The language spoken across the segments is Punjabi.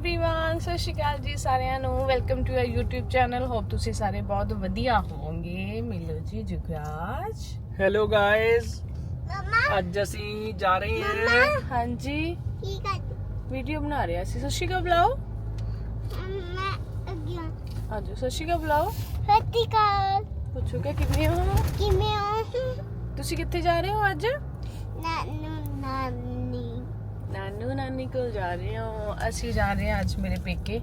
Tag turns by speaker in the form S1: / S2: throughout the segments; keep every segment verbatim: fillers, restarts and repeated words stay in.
S1: एवरीवन सत श्री अकाल जी सारिਆਂ ਨੂੰ welcome to our YouTube channel hope ਤੁਸੀਂ ਸਾਰੇ ਬਹੁਤ ਵਧੀਆ ਹੋਵੋਗੇ। ਮਿਲੋ ਜੀ ਜੁਗਰਾਜ।
S2: ਹੈਲੋ ਗਾਇਸ, ਅੱਜ ਅਸੀਂ ਜਾ ਰਹੇ ਹਾਂ।
S1: ਹਾਂਜੀ
S3: ਕੀ ਕਰ
S1: ਵੀਡੀਓ ਬਣਾ ਰਹੇ ਸੀ। ਸਤਿ ਸ਼੍ਰੀ ਅਕਾਲ ਬੁਲਾਓ।
S3: ਮੈਂ ਅੱਗੇ
S1: ਆਜੋ ਸਤਿ ਸ਼੍ਰੀ ਅਕਾਲ ਬੁਲਾਓ।
S3: ਸਤਿ ਕਾਲ
S1: ਪੁੱਛੋ ਕਿ ਕਿਵੇਂ ਹੋ,
S3: ਕਿਵੇਂ ਹੋ?
S1: ਤੁਸੀਂ ਕਿੱਥੇ ਜਾ ਰਹੇ ਹੋ ਅੱਜ?
S3: ਨਾਨੂ ਨਾਨੀ
S1: ਨਾਨੂ ਨਾਨੀ ਕੋਲ ਜਾ ਰਹੇ ਹੋ। ਅਸੀਂ ਜਾ ਰਹੇ ਹਾਂ ਅੱਜ ਮੇਰੇ ਪੇਕੇ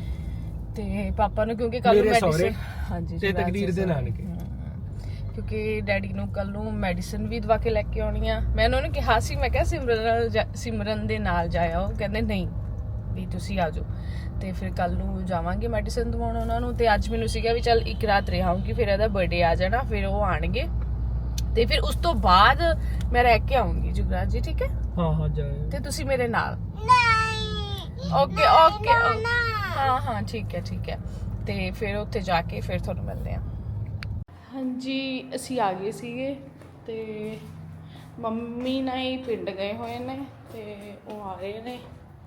S1: ਤੇ ਪਾਪਾ ਨੂੰ, ਕਿਉਂਕਿ ਕੱਲ ਨੂੰ ਮੈਡੀਸਿਨ, ਹਾਂਜੀ
S2: ਤੇ ਤਕਦੀਰ ਦੇ ਨਾਨਕੇ,
S1: ਕਿਉਂਕਿ ਡੈਡੀ ਨੂੰ ਕੱਲ ਨੂੰ ਮੈਡੀਸਿਨ ਵੀ ਦਵਾ ਕੇ ਲੈ ਕੇ ਆਉਣੀ ਆ। ਮੈਂ ਉਹਨਾਂ ਨੂੰ ਕਿਹਾ ਸੀ, ਮੈਂ ਕਿਹਾ ਸਿਮਰਨ ਨਾਲ ਸਿਮਰਨ ਦੇ ਨਾਲ ਜਾਇਓ, ਕਹਿੰਦੇ ਨਹੀਂ ਵੀ ਤੁਸੀਂ ਆ ਜਾਓ। ਤੇ ਫਿਰ ਕੱਲ ਨੂੰ ਜਾਵਾਂਗੇ ਮੈਡੀਸਿਨ ਦਵਾਉਣ ਉਹਨਾਂ ਨੂੰ। ਤੇ ਅੱਜ ਮੈਨੂੰ ਸੀਗਾ ਵੀ ਚੱਲ ਇੱਕ ਰਾਤ ਰਹਾਂਗੀ, ਫਿਰ ਇਹਦਾ ਬਰਥਡੇ ਆ ਜਾਣਾ, ਫਿਰ ਉਹ ਆਣਗੇ ਤੇ ਫਿਰ ਉਸ ਤੋਂ ਬਾਅਦ ਮੈਂ ਰਹਿ ਕੇ ਆਉਂਗੀ ਜੁਗਰਾਜ ਜੀ। ਠੀਕ ਹੈ?
S2: ਹਾਂ ਹਾਂ ਜਾਇਓ
S1: ਤੇ ਤੁਸੀਂ ਮੇਰੇ ਨਾਲ।
S3: ਨਹੀਂ
S1: ਓਕੇ ਓਕੇ ਹਾਂ ਹਾਂ ਠੀਕ ਹੈ ਠੀਕ ਹੈ। ਤੇ ਫਿਰ ਉੱਥੇ ਜਾ ਕੇ ਫਿਰ ਤੁਹਾਨੂੰ ਮਿਲਦੇ ਹਾਂ। ਹਾਂਜੀ ਅਸੀਂ ਆ ਗਏ ਸੀਗੇ ਤੇ ਮੰਮੀ ਨਾਲ ਹੀ ਪਿੰਡ ਗਏ ਹੋਏ ਨੇ ਤੇ ਉਹ ਆ ਰਹੇ ਨੇ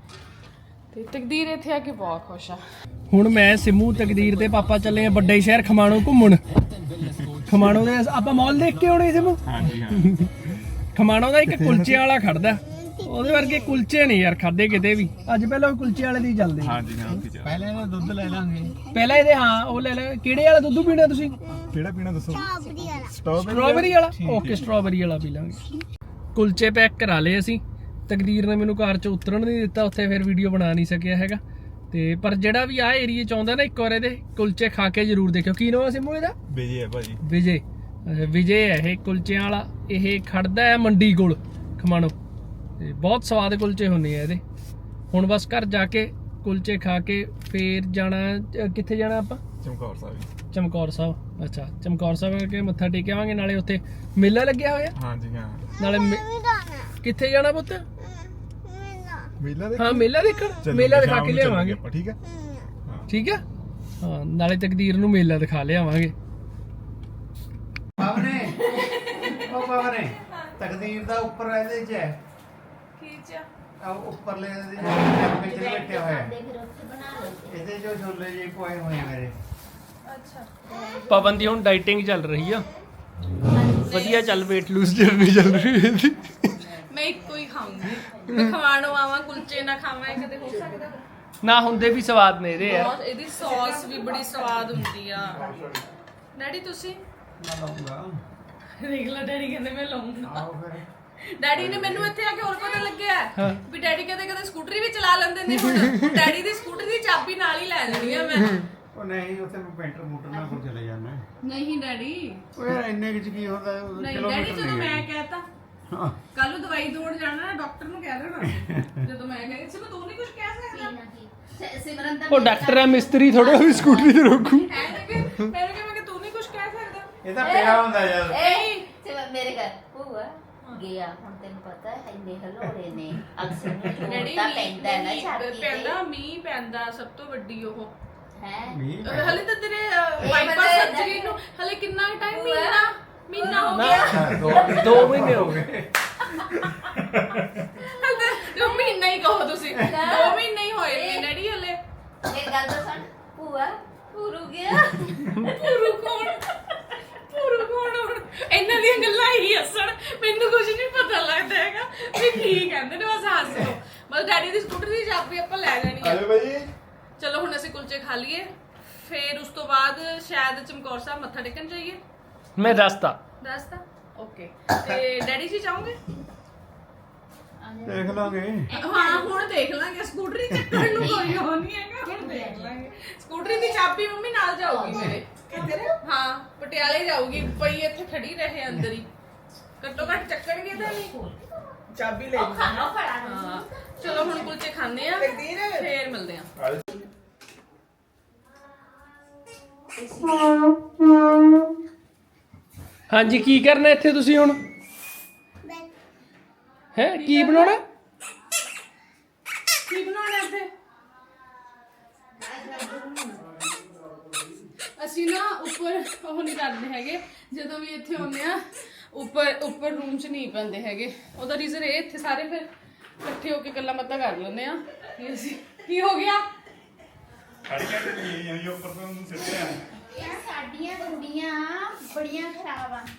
S1: ਤੇ ਤਕਦੀਰ ਇੱਥੇ ਆ ਕੇ ਬਹੁਤ ਖੁਸ਼ ਆ।
S2: ਹੁਣ ਮੈਂ ਸਿਮੂ, ਤਕਦੀਰ ਤੇ ਪਾਪਾ ਚੱਲੇ ਆ ਵੱਡੇ ਸ਼ਹਿਰ ਖਮਾਣੋ ਘੁੰਮਣ। ਖਮਾਣੋ ਦੇ ਆਪਾਂ ਮਾਲ ਦੇਖ ਕੇ ਆਉਣੇ ਸਿਮੂ। ਹਾਂਜੀ ਹਾਂ। ਖਮਾਣੋ ਦਾ ਇੱਕ ਕੁਲਚੇ ਵਾਲਾ ਖੜਦਾ, ਉਹਦੇ ਵਰਗੇ ਕੁਲਚੇ ਨਹੀਂ ਯਾਰ ਖਾਦੇ ਕਿਤੇ ਵੀ। ਅੱਜ ਪਹਿਲਾਂ ਕੁਲਚੇ ਵਾਲੇ ਦੀ ਚੱਲਦੇ। ਹਾਂਜੀ ਹਾਂ ਪਹਿਲਾਂ ਇਹਦਾ ਦੁੱਧ ਲੈ ਲਾਂਗੇ। ਪਹਿਲਾਂ ਇਹਦੇ ਹਾਂ ਉਹ ਲੈ ਲੈ। ਕਿਹੜੇ ਵਾਲਾ ਦੁੱਧ ਪੀਣਾ ਤੁਸੀਂ? ਕਿਹੜਾ ਪੀਣਾ ਦੱਸੋ?
S3: ਸਟ੍ਰਾਬੇਰੀ ਵਾਲਾ।
S2: ਸਟ੍ਰਾਬੇਰੀ ਵਾਲਾ? ਓਕੇ ਸਟ੍ਰਾਬੇਰੀ ਵਾਲਾ ਪੀ ਲਾਂਗੇ। ਕੁਲਚੇ ਪੈਕ ਕਰਾ ਲਏ ਅਸੀਂ। ਤਕਦੀਰ ਨੇ ਮੈਨੂੰ ਕਾਰ 'ਚ ਉਤਰਨ ਨਹੀਂ ਦਿੱਤਾ, ਉੱਥੇ ਫਿਰ ਵੀਡੀਓ ਬਣਾ ਨਹੀਂ ਸਕਿਆ ਹੈਗਾ। ਤੇ ਪਰ ਜਿਹੜਾ ਵੀ ਆ ਏਰੀਏ 'ਚ ਆਉਂਦਾ ਨਾ, ਇੱਕ ਵਾਰ ਇਹਦੇ ਕੁਲਚੇ ਖਾ ਕੇ ਜ਼ਰੂਰ ਦੇਖਿਓ। ਕੀ ਨਾਮ ਹੈ ਸਿਮੂ ਇਹਦਾ? ਵਿਜੇ ਹੈ ਭਾਜੀ। ਵਿਜੇ ਵਿਜੇ ਹੈ ਇਹ ਕੁਲਚਿਆਂ ਵਾਲਾ। ਇਹ ਖੜਦਾ ਹੈ ਮੰਡੀ ਕੋਲ ਖਮਾਣੋ ਤੇ ਬਹੁਤ ਸਵਾਦ ਕੁਲਚੇ ਹੁੰਦੇ ਆ ਇਹਦੇ। ਹੁਣ ਬਸ ਘਰ ਜਾ ਕੇ ਕੁਲਚੇ ਖਾ ਕੇ ਫੇਰ ਜਾਣਾ। ਕਿੱਥੇ ਜਾਣਾ ਆਪਾਂ? ਚਮਕੌਰ ਸਾਹਿਬ। ਚਮਕੌਰ ਸਾਹਿਬ, ਅੱਛਾ ਚਮਕੌਰ ਸਾਹਿਬ ਕੇ ਮੱਥਾ ਟੇਕ ਆਵਾਂਗੇ। ਨਾਲੇ ਉੱਥੇ ਮੇਲਾ ਲੱਗਿਆ ਹੋਇਆ। ਹਾਂਜੀ ਹਾਂ। ਨਾਲੇ ਕਿੱਥੇ ਜਾਣਾ ਪੁੱਤ? ਮੇਲਾ ਦੇਖਣ। ਹਾਂ ਮੇਲਾ ਦੇਖਣ, ਮੇਲਾ ਦਿਖਾ ਕੇ ਲਿਆਵਾਂਗੇ। ਠੀਕ ਹੈ ਠੀਕ ਹੈ ਹਾਂ। ਨਾਲੇ ਤਕਦੀਰ ਨੂੰ ਮੇਲਾ ਦਿਖਾ ਲਿਆਵਾਂਗੇ।
S4: ਪਾਵਨੇ ਉਹ ਪਾਵਨੇ ਤਕਦੀਰ ਦਾ ਉੱਪਰ ਇਹਦੇ ਚ ਹੈ।
S1: ਕੀ ਚ?
S4: ਆ ਉੱਪਰਲੇ ਦੇ ਟੱਪੇ ਚ ਬੈਠੇ ਹੋਏ ਇਹਦੇ ਜੋ ਛੋਲੇ ਜੇ ਕੋਏ ਹੋਏ ਮੇਰੇ।
S1: ਅੱਛਾ
S2: ਪਵਨ ਦੀ ਹੁਣ ਡਾਈਟਿੰਗ ਚੱਲ ਰਹੀ ਆ, ਵਧੀਆ ਚੱਲ weight lose ਜਰਨੀ ਚੱਲ ਰਹੀ ਹੈ ਇਹਦੀ।
S1: ਮੈਂ ਇੱਕੋ ਹੀ ਖਾਊਂਗੀ। ਮੈਂ ਖਵਾਣੋਂ ਆਵਾਂ ਕੁਲਚੇ ਨਾ ਖਾਵਾਂ, ਇਹ ਕਦੇ ਹੋ ਸਕਦਾ?
S2: ਨਾ ਹੁੰਦੇ ਵੀ ਸਵਾਦ ਨੇ ਇਹਦੇ ਯਾਰ।
S1: ਇਹਦੀ ਸੌਸ ਵੀ ਬੜੀ ਸਵਾਦ ਹੁੰਦੀ ਆ। ਡੈਡੀ ਤੁਸੀਂ ਦੇਖ ਲਓ, ਡੈਡੀ ਕਹਿੰਦੇ ਮੈਂ ਲਾਉਂਗਾ। ਡੈਡੀ ਨੇ ਮੈਨੂੰ ਇੱਥੇ ਆ ਕੇ ਹੋਰ ਪਤਾ ਲੱਗਿਆ ਵੀ ਡੈਡੀ ਕਦੇ ਕਦੇ ਸਕੂਟਰੀ ਵੀ ਚਲਾ ਲੈਂਦੇ ਨੇ। ਹੁਣ ਡੈਡੀ ਦੀ ਸਕੂਟਰੀ ਦੀ ਚਾਬੀ ਨਾਲ ਹੀ ਲੈ ਲੈਣੀ ਆ ਮੈਂ।
S4: ਉਹ ਨਹੀਂ ਉੱਥੇ ਮੈਂ ਪੈਂਟਰ ਮੋਟਰ ਨਾਲ ਕੋਲ ਚਲੇ ਜਾਣਾ।
S1: ਨਹੀਂ ਡੈਡੀ,
S4: ਉਹ ਯਾਰ ਇੰਨੇ ਕੁ ਚ ਕੀ ਹੁੰਦਾ?
S1: ਨਹੀਂ ਡੈਡੀ ਜਦੋਂ ਮੈਂ ਕਹਿਤਾ ਕੱਲ ਨੂੰ ਦਵਾਈ ਦੌੜ ਜਾਣਾ ਨਾ, ਡਾਕਟਰ ਨੂੰ ਕਹਿ ਦੇਣਾ ਜਦੋਂ ਮੈਂ ਕਹੀ ਸੀ ਮੈਂ ਤੂੰ ਨਹੀਂ ਕੁਝ ਕਹਿ ਸਕਦਾ। ਸਿਮਰਨ ਦਾ
S2: ਉਹ ਡਾਕਟਰ ਹੈ, ਮਿਸਤਰੀ ਥੋੜਾ ਵੀ ਸਕੂਟਰੀ ਤੇ ਰੋਕੂ।
S1: ਐ ਨਾ ਕਿ ਮੈਂ ਕਿ ਤੂੰ ਨਹੀਂ ਕੁਝ ਕਹਿ ਸਕਦਾ।
S4: ਇਹ ਤਾਂ ਪਿਆ ਹੁੰਦਾ ਯਾਰ।
S1: ਏ
S5: ਮੇਰੇ ਘਰ ਭੂਆ ਗਿਆ। ਹੁਣ ਤੈਨੂੰ ਪਤਾ ਹੈ ਇੰਨੇ ਹਲੋੜੇ ਨੇ ਅਕਸਰ ਨੂੰ
S1: ਡੈਡੀ
S5: ਤਾਂ ਪੈਂਦਾ ਹੈ ਨਾ ਛਾਤੀ ਤੇ।
S1: ਪੈਂਦਾ ਮੀਂਹ ਪੈਂਦਾ, ਸਭ ਤੋਂ ਵੱਡੀ ਉਹ
S5: ਹੈ।
S1: ਹਲੇ ਤਾਂ ਤੇਰੇ ਵਾਈਪਰ ਸਰਜਰੀ ਨੂੰ ਹਲੇ ਕਿੰਨਾ ਟਾਈਮ? ਮਹੀਨਾ ਮਹੀਨਾ ਹੋ ਗਿਆ।
S2: ਦੋ ਮਹੀਨੇ ਹੋ ਗਏ।
S1: ਦੋ ਮਹੀਨਾ ਹੀ ਕਹੋ ਤੁਸੀਂ, ਦੋ ਮਹੀਨੇ ਹੀ ਹੋਏ ਨੇ ਡੈਡੀ ਹਲੇ।
S5: ਇਹ ਗੱਲ ਤਾਂ ਸੁਣ ਭੂਆ ਪੂਰੂ ਗਿਆ।
S1: ਪੂਰੂ ਕੌਣ? ਪੂਰੂ ਕੌਣ? ਹੁਣ ਇਹਨਾਂ ਦੀਆਂ ਗੱਲਾਂ ਹੀ ਹੱਸਣ, ਮੈਨੂੰ ਕੁਝ ਨਹੀਂ ਪਤਾ ਲੱਗਦਾ ਹੈਗਾ ਵੀ ਕੀ ਕਹਿੰਦੇ ਨੇ। ਬਸ ਹੱਸ ਲਓ। ਬਸ ਡੈਡੀ ਦੀ ਸਕੂਟਰ ਦੀ ਚਾਬੀ ਆਪਾਂ ਲੈ ਲੈਣੀ ਹੈ। ਚਲੋ ਹੁਣ ਅਸੀਂ ਕੁਲਚੇ ਖਾ ਲਈਏ, ਫਿਰ ਉਸ ਤੋਂ ਬਾਅਦ ਸ਼ਾਇਦ ਚਮਕੌਰ ਸਾਹਿਬ ਮੱਥਾ ਟੇਕਣ ਜਾਈਏ।
S2: ਮੈਂ ਦੱਸਤਾ
S1: ਦੱਸਤਾ ਓਕੇ। ਤੇ ਡੈਡੀ ਜੀ ਚਾਹੋਗੇ?
S4: ਦੇਖ ਲਾਂਗੇ।
S1: ਹਾਂ ਹੁਣ ਦੇਖ ਲਾਂਗੇ। ਸਕੂਟਰੀ ਚੱਕਣ ਨੂੰ ਕੋਈ ਹੋ ਨਹੀਂ ਹੈਗਾ, ਹੁਣ ਦੇਖ ਲਾਂਗੇ। ਸਕੂਟਰੀ ਦੀ ਚਾਬੀ ਮੰਮੀ ਨਾਲ ਜਾਊਗੀ ਮੇਰੇ। ਕਿੱਧਰ? ਹਾਂ ਪਟਿਆਲੇ ਜਾਊਗੀ, ਪਈ ਇੱਥੇ ਖੜੀ ਰਹੇ ਅੰਦਰ ਹੀ। ਘੱਟੋ ਘੱਟ ਚੱਕਣਗੇ ਤਾਂ ਨਹੀਂ।
S6: ਚਾਬੀ ਲੈ ਲਈ।
S1: ਹਾਂ ਚਲੋ ਹੁਣ ਕੁਲਚੇ ਖਾਣੇ ਆ, ਫੇਰ ਮਿਲਦੇ ਆ।
S2: ਹਾਂਜੀ ਕੀ ਕਰਨਾ ਇੱਥੇ ਤੁਸੀਂ ਹੁਣ? ਹੈ ਕੀ ਬਣਾਉਣਾ?
S1: ਕੀ ਬਣਾਉਣਾ ਇੱਥੇ? ਅਸੀਂ ਨਾ ਉੱਪਰ ਉਹ ਨਹੀਂ ਕਰਦੇ ਹੈਗੇ, ਜਦੋਂ ਵੀ ਇੱਥੇ ਆਉਂਦੇ ਆ ਉੱਪਰ ਉੱਪਰ ਰੂਮ 'ਚ ਨਹੀਂ ਪੈਂਦੇ ਹੈਗੇ। ਉਹਦਾ ਰੀਜ਼ਨ ਇਹ ਇੱਥੇ ਸਾਰੇ ਫਿਰ ਇਕੱਠੇ ਹੋ ਕੇ ਗੱਲਾਂ ਬਾਤਾਂ ਕਰ ਲੈਂਦੇ ਆ। ਅਸੀਂ ਕੀ ਹੋ ਗਿਆ?
S6: ਖੜੀਆਂ ਤੇ ਨਹੀਂ ਆਈ ਉੱਪਰ ਤੋਂ ਉਹਨੂੰ ਸਿੱਟਿਆ
S5: ਇਹ ਸਾਡੀਆਂ ਕੁੜੀਆਂ ਬੜੀਆਂ ਖਰਾਬ ਆ।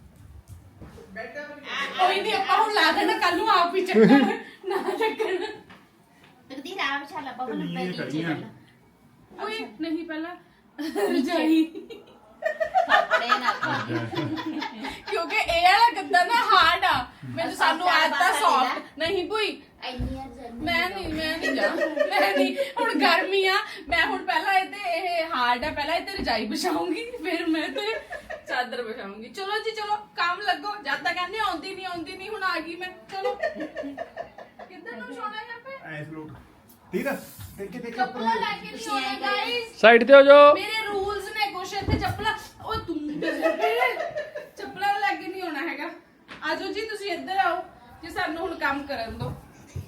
S1: ਕੋਈ ਨਹੀਂ, ਆਪਾਂ ਹੁਣ ਲਾ ਦੇਣਾ, ਕੱਲ ਨੂੰ ਆਪ ਹੀ ਚੱਕਣ ਨਾ ਚੱਕਣ।
S5: ਤਕਦੀ ਰਾਮ ਛਾਲਾ ਬਬਲ
S6: ਨੀਵੇਂ
S5: ਨੀਚੇ
S6: ਖੜੀਆਂ।
S5: ਚੱਲ
S1: ਓਏ ਨਹੀਂ, ਪਹਿਲਾਂ ਰਜਾਈ,
S5: ਕੱਪੜੇ ਨਾ ਪਾ।
S1: ਕਿਉਂਕਿ ਇਹ ਵਾਲਾ ਗੱਦਾ ਨਾ ਹਾਰਡ ਆ। ਮੈਨੂੰ ਸਾਨੂੰ ਆਦਤ ਸੌਫਟ ਨਹੀਂ ਕੋਈ।
S5: ਇੰਨੀਆਂ ਜੰਨੀ
S1: ਮੈਂ ਨਹੀਂ ਮੈਂ ਨਹੀਂ ਜਾ ਮੈਂ ਨਹੀਂ, ਹੁਣ ਗਰਮੀ ਆ। ਮੈਂ ਹੁਣ ਪਹਿਲਾਂ ਇਹ ਤੇ ਇਹ ਹਾਰਡ ਆ, ਪਹਿਲਾਂ ਇਹ ਤੇ ਰਜਾਈ ਵਿਛਾਉਂਗੀ, ਫਿਰ ਮੈਂ ਤੇ ਚਾਦਰ ਵਿਛਾਉਂਗੀ। ਚਲੋ ਜੀ ਚਲੋ, ਕੰਮ ਲੱਗੋ। ਜਦ ਤੱਕ ਕਹਿੰਦੇ ਆਉਂਦੀ ਨਹੀਂ ਆਉਂਦੀ ਨਹੀਂ, ਹੁਣ ਆ ਗਈ ਮੈਂ। ਚਲੋ ਕਿੱਧਰ ਨੂੰ ਸੋਣਾ ਹੈ ਪੇ?
S6: ਐਸ ਲੋਟ ਠੀਕ ਆ ਦੇਖ ਕੇ ਦੇਖ ਕੇ
S1: ਚੱਪਲਾਂ ਲੈ ਕੇ ਨਹੀਂ ਆਉਣਾ ਗਾਇਸ।
S2: ਸਾਈਡ ਤੇ ਹੋ ਜਾਓ।
S1: ਮੇਰੇ ਰੂਲਸ ਨੇ ਕੁਛ ਇੱਥੇ। ਚੱਪਲਾਂ ਓਏ ਤੂੰ ਚੱਪਲਾਂ ਲੈ ਕੇ ਨਹੀਂ ਆਉਣਾ ਹੈਗਾ। ਆਜੋ ਜੀ, ਤੁਸੀਂ ਇੱਧਰ ਆਓ ਜੀ, ਸਾਨੂੰ ਹੁਣ ਕੰਮ ਕਰਨ ਦਿਓ।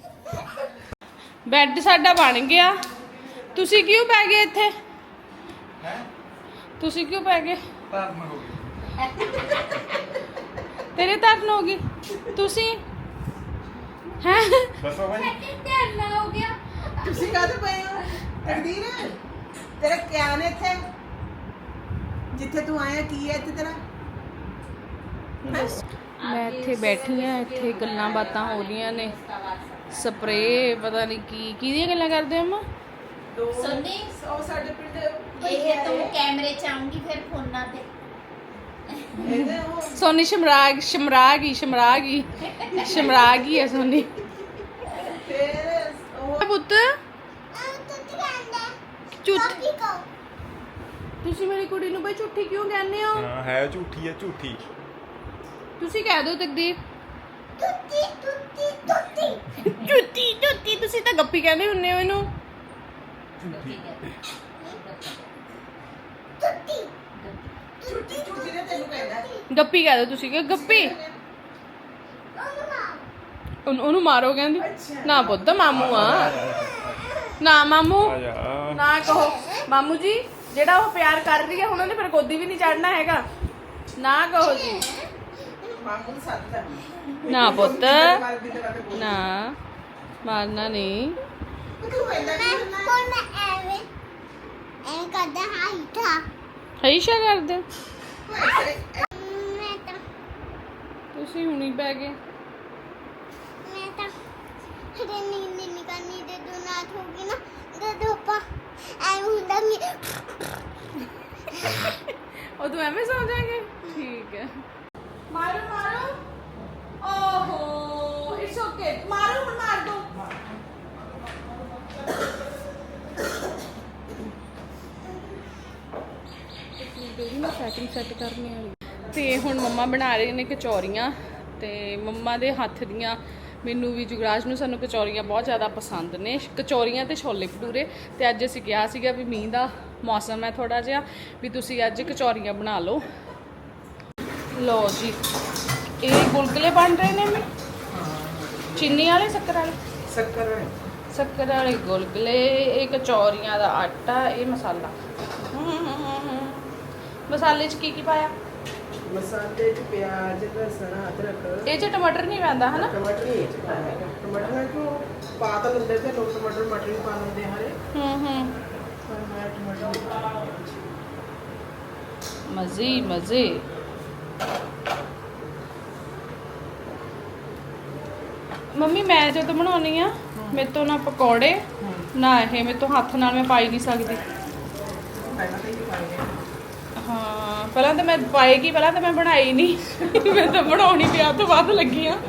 S1: ਬੈੱਡ ਸਾਡਾ ਬਣ ਗਿਆ। ਤੁਸੀਂ ਕਿਉਂ ਪੈ ਗਏ ਇੱਥੇ?
S6: ਹੈ
S1: ਤੁਸੀਂ ਕਿਉਂ ਪੈ ਗਏ?
S6: ਧਰਮ ਹੋ ਗਈ
S1: ਤੇਰੇ ਧਰਨ ਹੋ ਗਈ। ਤੁਸੀਂ ਹੈ
S6: ਦੱਸੋ ਭਾਈ
S1: ਧਰਨ ਹੋ ਗਿਆ।
S7: ਤੁਸੀਂ ਕਾਹਦੇ ਪਏ ਹੋ ਤਕਦੀਰ? ਤੇਰਾ ਕਿਆ ਨੇ ਇੱਥੇ ਜਿੱਥੇ ਤੂੰ ਆਇਆ ਕੀ ਹੈ ਇੱਥੇ ਤੇਰਾ?
S1: ਮੈਂ ਇੱਥੇ ਬੈਠੀ ਆ, ਇੱਥੇ ਗੱਲਾਂ ਬਾਤਾਂ ਹੋ ਰਹੀਆਂ ਨੇ। ਸਪਰੇ ਪਤਾ ਨਹੀਂ ਕੀ ਕਿਹਦੀਆਂ ਗੱਲਾਂ ਕਰਦੇ ਅਮਾ।
S5: ਸੁਣਨੀ
S7: ਉਹ ਸਾਡੇ ਪਿੰਡ
S5: ਇਹ ਤੂੰ ਕੈਮਰੇ ਚ ਆਉਂਗੀ ਫਿਰ ਫੋਨਾਂ ਤੇ।
S7: ਇਹਦੇ ਉਹ
S1: ਸੋਨੀ ਸ਼ਮਰਾਗ ਸ਼ਮਰਾਗੀ ਸ਼ਮਰਾਗੀ ਸ਼ਮਰਾਗੀ ਹੈ ਸੋਨੀ।
S7: ਫਿਰ ਉਹ
S1: ਪੁੱਤ ਝੂਠ, ਤੁਸੀਂ ਮੇਰੀ ਕੁੜੀ ਨੂੰ ਬਈ ਝੂਠੀ ਕਿਉਂ ਕਹਿੰਦੇ ਹੋ?
S6: ਹਾਂ ਹੈ ਝੂਠੀ ਹੈ ਝੂਠੀ
S1: ਤੁਸੀਂ ਕਹਿ ਦਿਓ ਤਕਦੀਰ।
S3: ਤੁੱਤੀ ਤੁੱਤੀ ਤੁੱਤੀ
S1: ਝੂਠੀ ਝੂਠੀ, ਤੁਸੀਂ ਤਾਂ ਗੱਪੀ ਕਹਿੰਦੇ ਹੁੰਨੇ ਹੋ ਇਹਨੂੰ।
S6: ਝੂਠੀ
S3: ਤੁੱਤੀ
S7: ਛੁੱਟੀ ਛੁੱਟੀ ਨੇ ਤੈਨੂੰ ਕਹਿੰਦਾ
S1: ਗੱਪੀ ਕਹਿ ਦਿਓ ਤੁਸੀਂ ਕਿ ਗੱਪੀ। ਉਹਨੂੰ ਉਹਨੂੰ ਮਾਰੋ ਕਹਿੰਦੀ। ਨਾ ਪੁੱਤ ਮਾਮੂ ਆ, ਨਾ ਮਾਮੂ
S6: ਆ ਜਾ
S1: ਨਾ ਕਹੋ। ਮਾਮੂ ਜੀ ਜਿਹੜਾ ਉਹ ਪਿਆਰ ਕਰ ਰਹੀ ਹੈ ਹੁਣ ਉਹਨੇ ਫਿਰ ਗੋਦੀ ਵੀ ਨਹੀਂ ਚੜਨਾ ਹੈਗਾ। ਨਾ ਕਹੋ ਜੀ।
S7: ਮਾਮੂ ਨੂੰ ਸੱਦ ਲੈ
S1: ਨਾ ਪੁੱਤ
S7: ਮਾਰ ਦੀ ਤਰ੍ਹਾਂ ਤੇ ਬੋਲ।
S1: ਨਾ, ਮਾਰਨਾ ਨਹੀਂ।
S7: ਤੂੰ ਇੰਨਾ
S3: ਮੈਂ ਹੁਣ ਐਵੇਂ ਐਵੇਂ ਕਰਦਾ ਹਾਂ ਇੱਥਾ।
S1: ਹਈਸ਼ਾ ਕਰਦੇ ਹੋ?
S3: ਮੈਂ ਤਾਂ
S1: ਤੁਸੀਂ ਹੁਣੀ ਪੈ ਗਏ।
S3: ਮੈਂ ਤਾਂ ਹਰੇ ਨੀਂਦ ਨਹੀਂ ਕਰਨੀ ਤੇ ਦੋ ਨਾਥ ਹੋ ਗਈ ਨਾ ਤੇ ਧੋਪਾ ਐਵੇਂ ਹੁੰਦਾ ਨਹੀਂ।
S1: ਉਹ ਤੂੰ ਐਵੇਂ ਸੌ ਜਾਏਂਗੇ? ਠੀਕ ਹੈ। ਮਾਰੋ ਮਾਰੋ। ਓਹੋ ਇਟਸ ਓਕੇ। ਮਾਰੋ ਹੁਣ, ਮਾਰ ਦੋ। ਸੈਟਿੰਗ ਸੈੱਟ ਕਰਨੀ ਵਾਲੀ। ਤੇ ਹੁਣ ਮੰਮਾ ਬਣਾ ਰਹੇ ਨੇ ਕਚੌਰੀਆਂ, ਤੇ ਮੰਮਾ ਦੇ ਹੱਥ ਦੀਆਂ ਮੈਨੂੰ ਵੀ ਜੁਗਰਾਜ ਨੂੰ ਸਾਨੂੰ ਕਚੌਰੀਆਂ ਬਹੁਤ ਜ਼ਿਆਦਾ ਪਸੰਦ ਨੇ। ਕਚੌਰੀਆਂ ਤੇ ਛੋਲੇ ਭਟੂਰੇ। ਤੇ ਅੱਜ ਅਸੀਂ ਕਿਹਾ ਸੀਗਾ ਵੀ ਮੀਂਹ ਦਾ ਮੌਸਮ ਹੈ ਥੋੜਾ ਜਿਹਾ, ਵੀ ਤੁਸੀਂ ਅੱਜ ਕਚੌਰੀਆਂ ਬਣਾ ਲਓ। ਲਓ ਜੀ, ਇਹ ਗੁਲਗੁਲੇ ਬਣ ਰਹੇ ਨੇ। ਮੈਂ ਚੀਨੀ ਵਾਲੇ ਸ਼ੱਕਰ ਵਾਲੇ
S7: ਸ਼ੱਕਰ
S1: ਸ਼ੱਕਰ ਵਾਲੇ ਗੁਲਗੁਲੇ, ਇਹ ਕਚੌਰੀਆਂ ਦਾ ਆਟਾ, ਇਹ ਮਸਾਲਾ। ਮਸਾਲੇ 'ਚ ਕੀ ਕੀ ਪਾਇਆ?
S7: ਮਸਾਲੇ ਚ ਪਿਆਜ਼ ਲਸਣ ਅਦਰਕ
S1: ਇਹ 'ਚ ਟਮਾਟਰ ਨਹੀਂ ਪੈਂਦਾ ਹਨਾ?
S7: ਟਮਾਟਰ ਨਹੀਂ ਇਹ ਚ ਪਾਇਆ ਹੈਗਾ। ਟਮਾਟਰ ਨਾਲ ਕਿਉਂ ਪਾ ਤਾਂ ਲੈਂਦੇ ਤੇ ਲੋਕ ਟਮਾਟਰ ਮਟਰ ਵੀ ਪਾ ਲੈਂਦੇ ਹਰੇ।
S1: ਹੂੰ ਹੂੰ
S7: ਪਰ ਮੈਂ ਟਮਾਟਰ ਨਹੀਂ ਪਾਇਆ।
S1: ਮਜ਼ੇ ਮਜ਼ੇ। ਮੰਮੀ ਮੈਂ ਜਦੋਂ ਬਣਾਉਣੀ ਆ ਮੇਰੇ ਤੋਂ ਨਾ ਪਕੌੜੇ ਨਾ ਇਹ ਮੇਰੇ ਤੋਂ ਹੱਥ ਨਾਲ ਮੈਂ ਪਾਈ ਨਹੀਂ ਸਕਦੀ।
S7: ਪਹਿਲਾਂ ਤਾਂ ਹੀ ਪਾਏ
S1: ਹਾਂ ਪਹਿਲਾਂ ਤਾਂ ਮੈਂ ਪਾਏਗੀ, ਪਹਿਲਾਂ ਤਾਂ ਮੈਂ ਬਣਾਈ ਨਹੀਂ। ਮੈਂ ਤਾਂ ਬਣਾਉਣੀ ਵਿਆਹ ਤੋਂ ਬਾਅਦ ਲੱਗੀ ਆ।